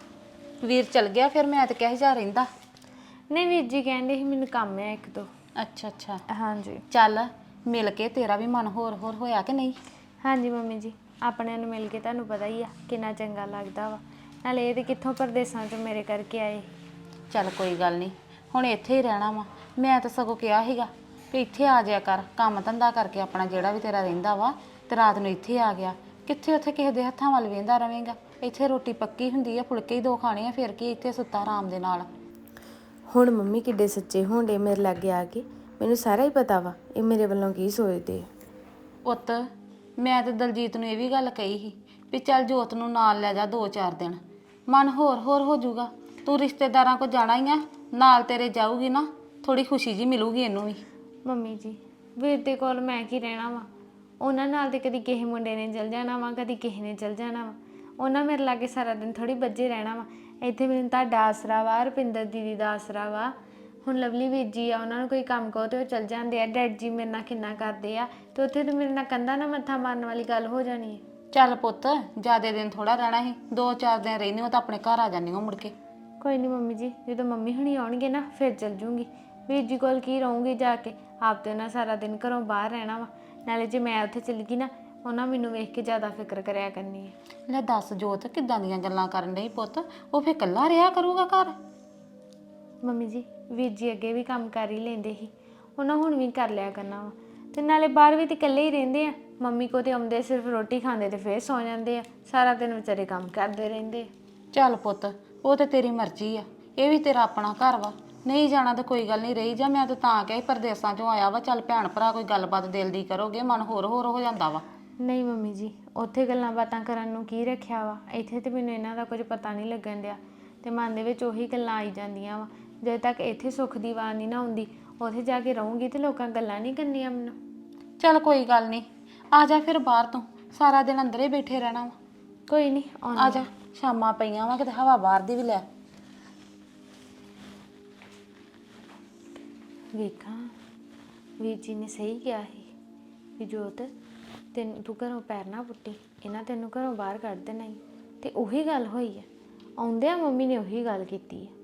ਵੀਰ ਚਲ ਗਿਆ ਫਿਰ? ਮੈਂ ਤਾਂ ਕਿਹਾ ਜਾ ਰਹਿੰਦਾ। ਨਹੀਂ ਵੀਰ ਜੀ ਕਹਿੰਦੇ ਸੀ ਮੈਨੂੰ ਕੰਮ ਹੈ ਇੱਕ ਦੋ। ਅੱਛਾ ਅੱਛਾ। ਹਾਂਜੀ। ਚੱਲ ਮਿਲ ਕੇ ਤੇਰਾ ਵੀ ਮਨ ਹੋਰ ਹੋਰ ਹੋਇਆ ਕਿ ਨਹੀਂ? ਹਾਂਜੀ ਮੰਮੀ ਜੀ, ਆਪਣਿਆਂ ਨੂੰ ਮਿਲ ਕੇ ਤੁਹਾਨੂੰ ਪਤਾ ਹੀ ਆ ਕਿੰਨਾ ਚੰਗਾ ਲੱਗਦਾ ਵਾ। ਨਾਲੇ ਇਹ ਤੇ ਕਿੱਥੋਂ ਪਰਦੇਸਾਂ 'ਚੋਂ ਮੇਰੇ ਕਰਕੇ ਆਏ। ਚੱਲ ਕੋਈ ਗੱਲ ਨਹੀਂ, ਹੁਣ ਇੱਥੇ ਹੀ ਰਹਿਣਾ ਵਾ। ਮੈਂ ਤਾਂ ਸਗੋਂ ਕਿਹਾ ਸੀਗਾ ਵੀ ਇੱਥੇ ਆ ਜਾਇਆ ਕਰ, ਕੰਮ ਧੰਦਾ ਕਰਕੇ ਆਪਣਾ ਜਿਹੜਾ ਵੀ ਤੇਰਾ ਰਹਿੰਦਾ ਵਾ, ਤੇ ਰਾਤ ਨੂੰ ਇੱਥੇ ਆ ਗਿਆ। ਕਿੱਥੇ ਉੱਥੇ ਕਿਸੇ ਦੇ ਹੱਥਾਂ ਵੱਲ ਵੇਂਦਾ ਰਵੇਂਗਾ? ਇੱਥੇ ਰੋਟੀ ਪੱਕੀ ਹੁੰਦੀ ਆ, ਫੁਲਕੇ ਹੀ ਦੋ ਖਾਣੇ ਆ, ਫਿਰ ਕੀ ਇੱਥੇ ਸੁੱਤਾ ਆਰਾਮ ਦੇ ਨਾਲ। ਹੁਣ ਮੰਮੀ ਕਿੱਡੇ ਸੱਚੇ ਹੋਣਦੇ ਮੇਰੇ ਲਾਗੇ ਆ ਕੇ, ਮੈਨੂੰ ਸਾਰਾ ਹੀ ਪਤਾ ਵਾ ਇਹ ਮੇਰੇ ਵੱਲੋਂ ਕੀ ਸੋਚਦੇ ਆ। ਪੁੱਤ ਮੈਂ ਤੇ ਦਲਜੀਤ ਨੂੰ ਇਹ ਵੀ ਗੱਲ ਕਹੀ ਸੀ ਵੀ ਚੱਲ ਜੋਤ ਨੂੰ ਨਾਲ ਲੈ ਜਾ ਦੋ ਚਾਰ ਦਿਨ, ਮਨ ਹੋਰ ਹੋਰ ਹੋ ਜਾਊਗਾ। ਤੂੰ ਰਿਸ਼ਤੇਦਾਰਾਂ ਕੋਲ ਜਾਣਾ ਹੀ ਆ, ਨਾਲ ਤੇਰੇ ਜਾਊਗੀ ਨਾ, ਥੋੜੀ ਖੁਸ਼ੀ ਜੀ ਮਿਲੂਗੀ ਇਹਨੂੰ ਵੀ। ਮੰਮੀ ਜੀ ਵੀਰ ਦੇ ਕੋਲ ਮੈਂ ਕੀ ਰਹਿਣਾ ਵਾ? ਉਹਨਾਂ ਨਾਲ ਤੇ ਕਦੀ ਕਿਸੇ ਮੁੰਡੇ ਨੇ ਚਲ ਜਾਣਾ ਵਾ, ਕਦੀ ਕਿਸੇ ਨੇ ਚਲ ਜਾਣਾ ਵਾ। ਉਹਨਾਂ ਮੇਰੇ ਲਾਗੇ ਸਾਰਾ ਦਿਨ ਥੋੜੀ ਬੱਝੇ ਰਹਿਣਾ ਵਾ। ਇੱਥੇ ਮੈਨੂੰ ਤੁਹਾਡਾ ਆਸਰਾ ਵਾ, ਰੁਪਿੰਦਰ ਦੀਦੀ ਦਾ ਆਸਰਾ ਵਾ। ਹੁਣ ਲਵਲੀ ਵੀਰ ਜੀ ਆ, ਉਹਨਾਂ ਨੂੰ ਕੋਈ ਕੰਮ ਕਹੋ ਤੇ ਉਹ ਚਲ ਜਾਂਦੇ ਆ। ਡੈਡ ਜੀ ਮੇਰੇ ਨਾਲ ਕਿੰਨਾ ਕਰਦੇ ਆ, ਤੇ ਉੱਥੇ ਤਾਂ ਮੇਰੇ ਨਾਲ ਕੰਧਾਂ ਨਾਲ ਮੱਥਾ ਮਾਰਨ ਵਾਲੀ ਗੱਲ ਹੋ ਜਾਣੀ ਹੈ। ਚੱਲ ਪੁੱਤ ਜ਼ਿਆਦਾ ਦਿਨ ਥੋੜਾ ਰਹਿਣਾ ਸੀ, ਦੋ ਚਾਰ ਦਿਨ ਰਹਿੰਦੀ ਹੋ ਤਾਂ ਆਪਣੇ ਘਰ ਆ ਜਾਂਦੀ ਹੋ ਮੁੜ ਕੇ। ਕੋਈ ਨਹੀਂ ਮੰਮੀ ਜੀ, ਜਦੋਂ ਮੰਮੀ ਹੁਣੀ ਆਉਣਗੇ ਨਾ ਫਿਰ ਚਲ ਜੂੰਗੀ। ਵੀਰ ਜੀ ਕੋਲ ਕੀ ਰਹੂੰਗੀ ਜਾ ਕੇ, ਆਪ ਤੇ ਉਹਨਾਂ ਸਾਰਾ ਦਿਨ ਘਰੋਂ ਬਾਹਰ ਰਹਿਣਾ ਵਾ। ਨਾਲੇ ਜੇ ਮੈਂ ਉੱਥੇ ਚਲ ਗਈ ਨਾ, ਉਹਨਾਂ ਮੈਨੂੰ ਵੇਖ ਕੇ ਜ਼ਿਆਦਾ ਫਿਕਰ ਕਰਿਆ ਕਰਨੀ ਹੈ। ਲੈ ਦੱਸ ਜੋਤ, ਕਿੱਦਾਂ ਦੀਆਂ ਗੱਲਾਂ ਕਰਨ ਡਈ ਪੁੱਤ? ਉਹ ਫੇਰ ਇਕੱਲਾ ਰਿਹਾ ਕਰੂਗਾ ਘਰ? ਮੰਮੀ ਜੀ ਵੀਰ ਜੀ ਅੱਗੇ ਵੀ ਕੰਮ ਕਰ ਹੀ ਲੈਂਦੇ ਸੀ, ਉਹਨਾਂ ਹੁਣ ਵੀ ਕਰ ਲਿਆ ਕਰਨਾ ਵਾ। ਤੇ ਨਾਲੇ ਬਾਹਰ ਵੀ ਤੇ ਇਕੱਲੇ ਹੀ ਰਹਿੰਦੇ ਆ। ਮੰਮੀ ਕੋ ਤੇ ਆਉਂਦੇ ਸਿਰਫ ਰੋਟੀ ਖਾਂਦੇ ਤੇ ਫੇਰ ਸੌ ਜਾਂਦੇ ਆ, ਸਾਰਾ ਦਿਨ ਵਿਚਾਰੇ ਕੰਮ ਕਰਦੇ ਰਹਿੰਦੇ ਆ। ਚੱਲ ਪੁੱਤ ਉਹ ਤੇ ਤੇਰੀ ਮਰਜ਼ੀ ਆ, ਇਹ ਵੀ ਤੇਰਾ ਆਪਣਾ ਘਰ ਵਾ। ਨਹੀਂ ਜਾਣਾ ਤਾਂ ਕੋਈ ਗੱਲ ਨਹੀਂ, ਰਹੀ ਜਾ। ਮੈਂ ਤਾਂ ਤਾਂ ਕਿਹਾ ਪਰਦੇਸਾਂ ਚੋਂ ਆਇਆ ਵਾ, ਚੱਲ ਭੈਣ ਭਰਾ ਕੋਈ ਗੱਲਬਾਤ ਦਿਲ ਦੀ ਕਰੋਗੇ, ਮਨ ਹੋਰ ਹੋਰ ਹੋ ਜਾਂਦਾ ਵਾ। ਨਹੀਂ ਮੰਮੀ ਜੀ, ਉੱਥੇ ਗੱਲਾਂ ਬਾਤਾਂ ਕਰਨ ਨੂੰ ਕੀ ਰੱਖਿਆ ਵਾ? ਇੱਥੇ ਤੇ ਮੈਨੂੰ ਇਹਨਾਂ ਦਾ ਕੁਝ ਪਤਾ ਨਹੀਂ ਲੱਗਣ ਡਿਆ, ਤੇ ਮਨ ਦੇ ਵਿੱਚ ਉਹੀ ਗੱਲਾਂ ਆਈ ਜਾਂਦੀਆਂ ਵਾ। ਜਦੋਂ ਤੱਕ ਇੱਥੇ ਸੁੱਖ ਦੀ ਆਵਾਜ਼ ਨਹੀਂ ਨਾ ਆਉਂਦੀ, ਉੱਥੇ ਜਾ ਕੇ ਰਹੂੰਗੀ ਤੇ ਲੋਕਾਂ ਗੱਲਾਂ ਨਹੀਂ ਕਰਨੀਆਂ ਮੈਨੂੰ। ਚੱਲ ਕੋਈ ਗੱਲ ਨਹੀਂ, ਆ ਜਾ ਫਿਰ ਬਾਹਰ ਤੋਂ, ਸਾਰਾ ਦਿਨ ਅੰਦਰੇ ਬੈਠੇ ਰਹਿਣਾ ਵਾ। ਕੋਈ ਨਹੀਂ ਆ ਜਾ, ਸ਼ਾਮਾਂ ਪਈਆਂ ਵਾ, ਕਿਤੇ ਹਵਾ ਬਾਹਰ ਦੀ ਵੀ ਲੈ। ਵੇਖਾਂ ਵੀਰ ਜੀ ਨੇ ਸਹੀ ਕਿਹਾ ਸੀ ਵੀ ਜੋਤ ਤੈਨੂੰ ਤੂੰ ਘਰੋਂ ਪੈਰ ਨਾ ਪੁੱਟੀ, ਇਹਨਾਂ ਤੈਨੂੰ ਘਰੋਂ ਬਾਹਰ ਕੱਢ ਦੇਣਾ ਹੀ। ਤੇ ਉਹੀ ਗੱਲ ਹੋਈ ਹੈ, ਆਉਂਦਿਆਂ ਮੰਮੀ ਨੇ ਉਹੀ ਗੱਲ ਕੀਤੀ ਹੈ।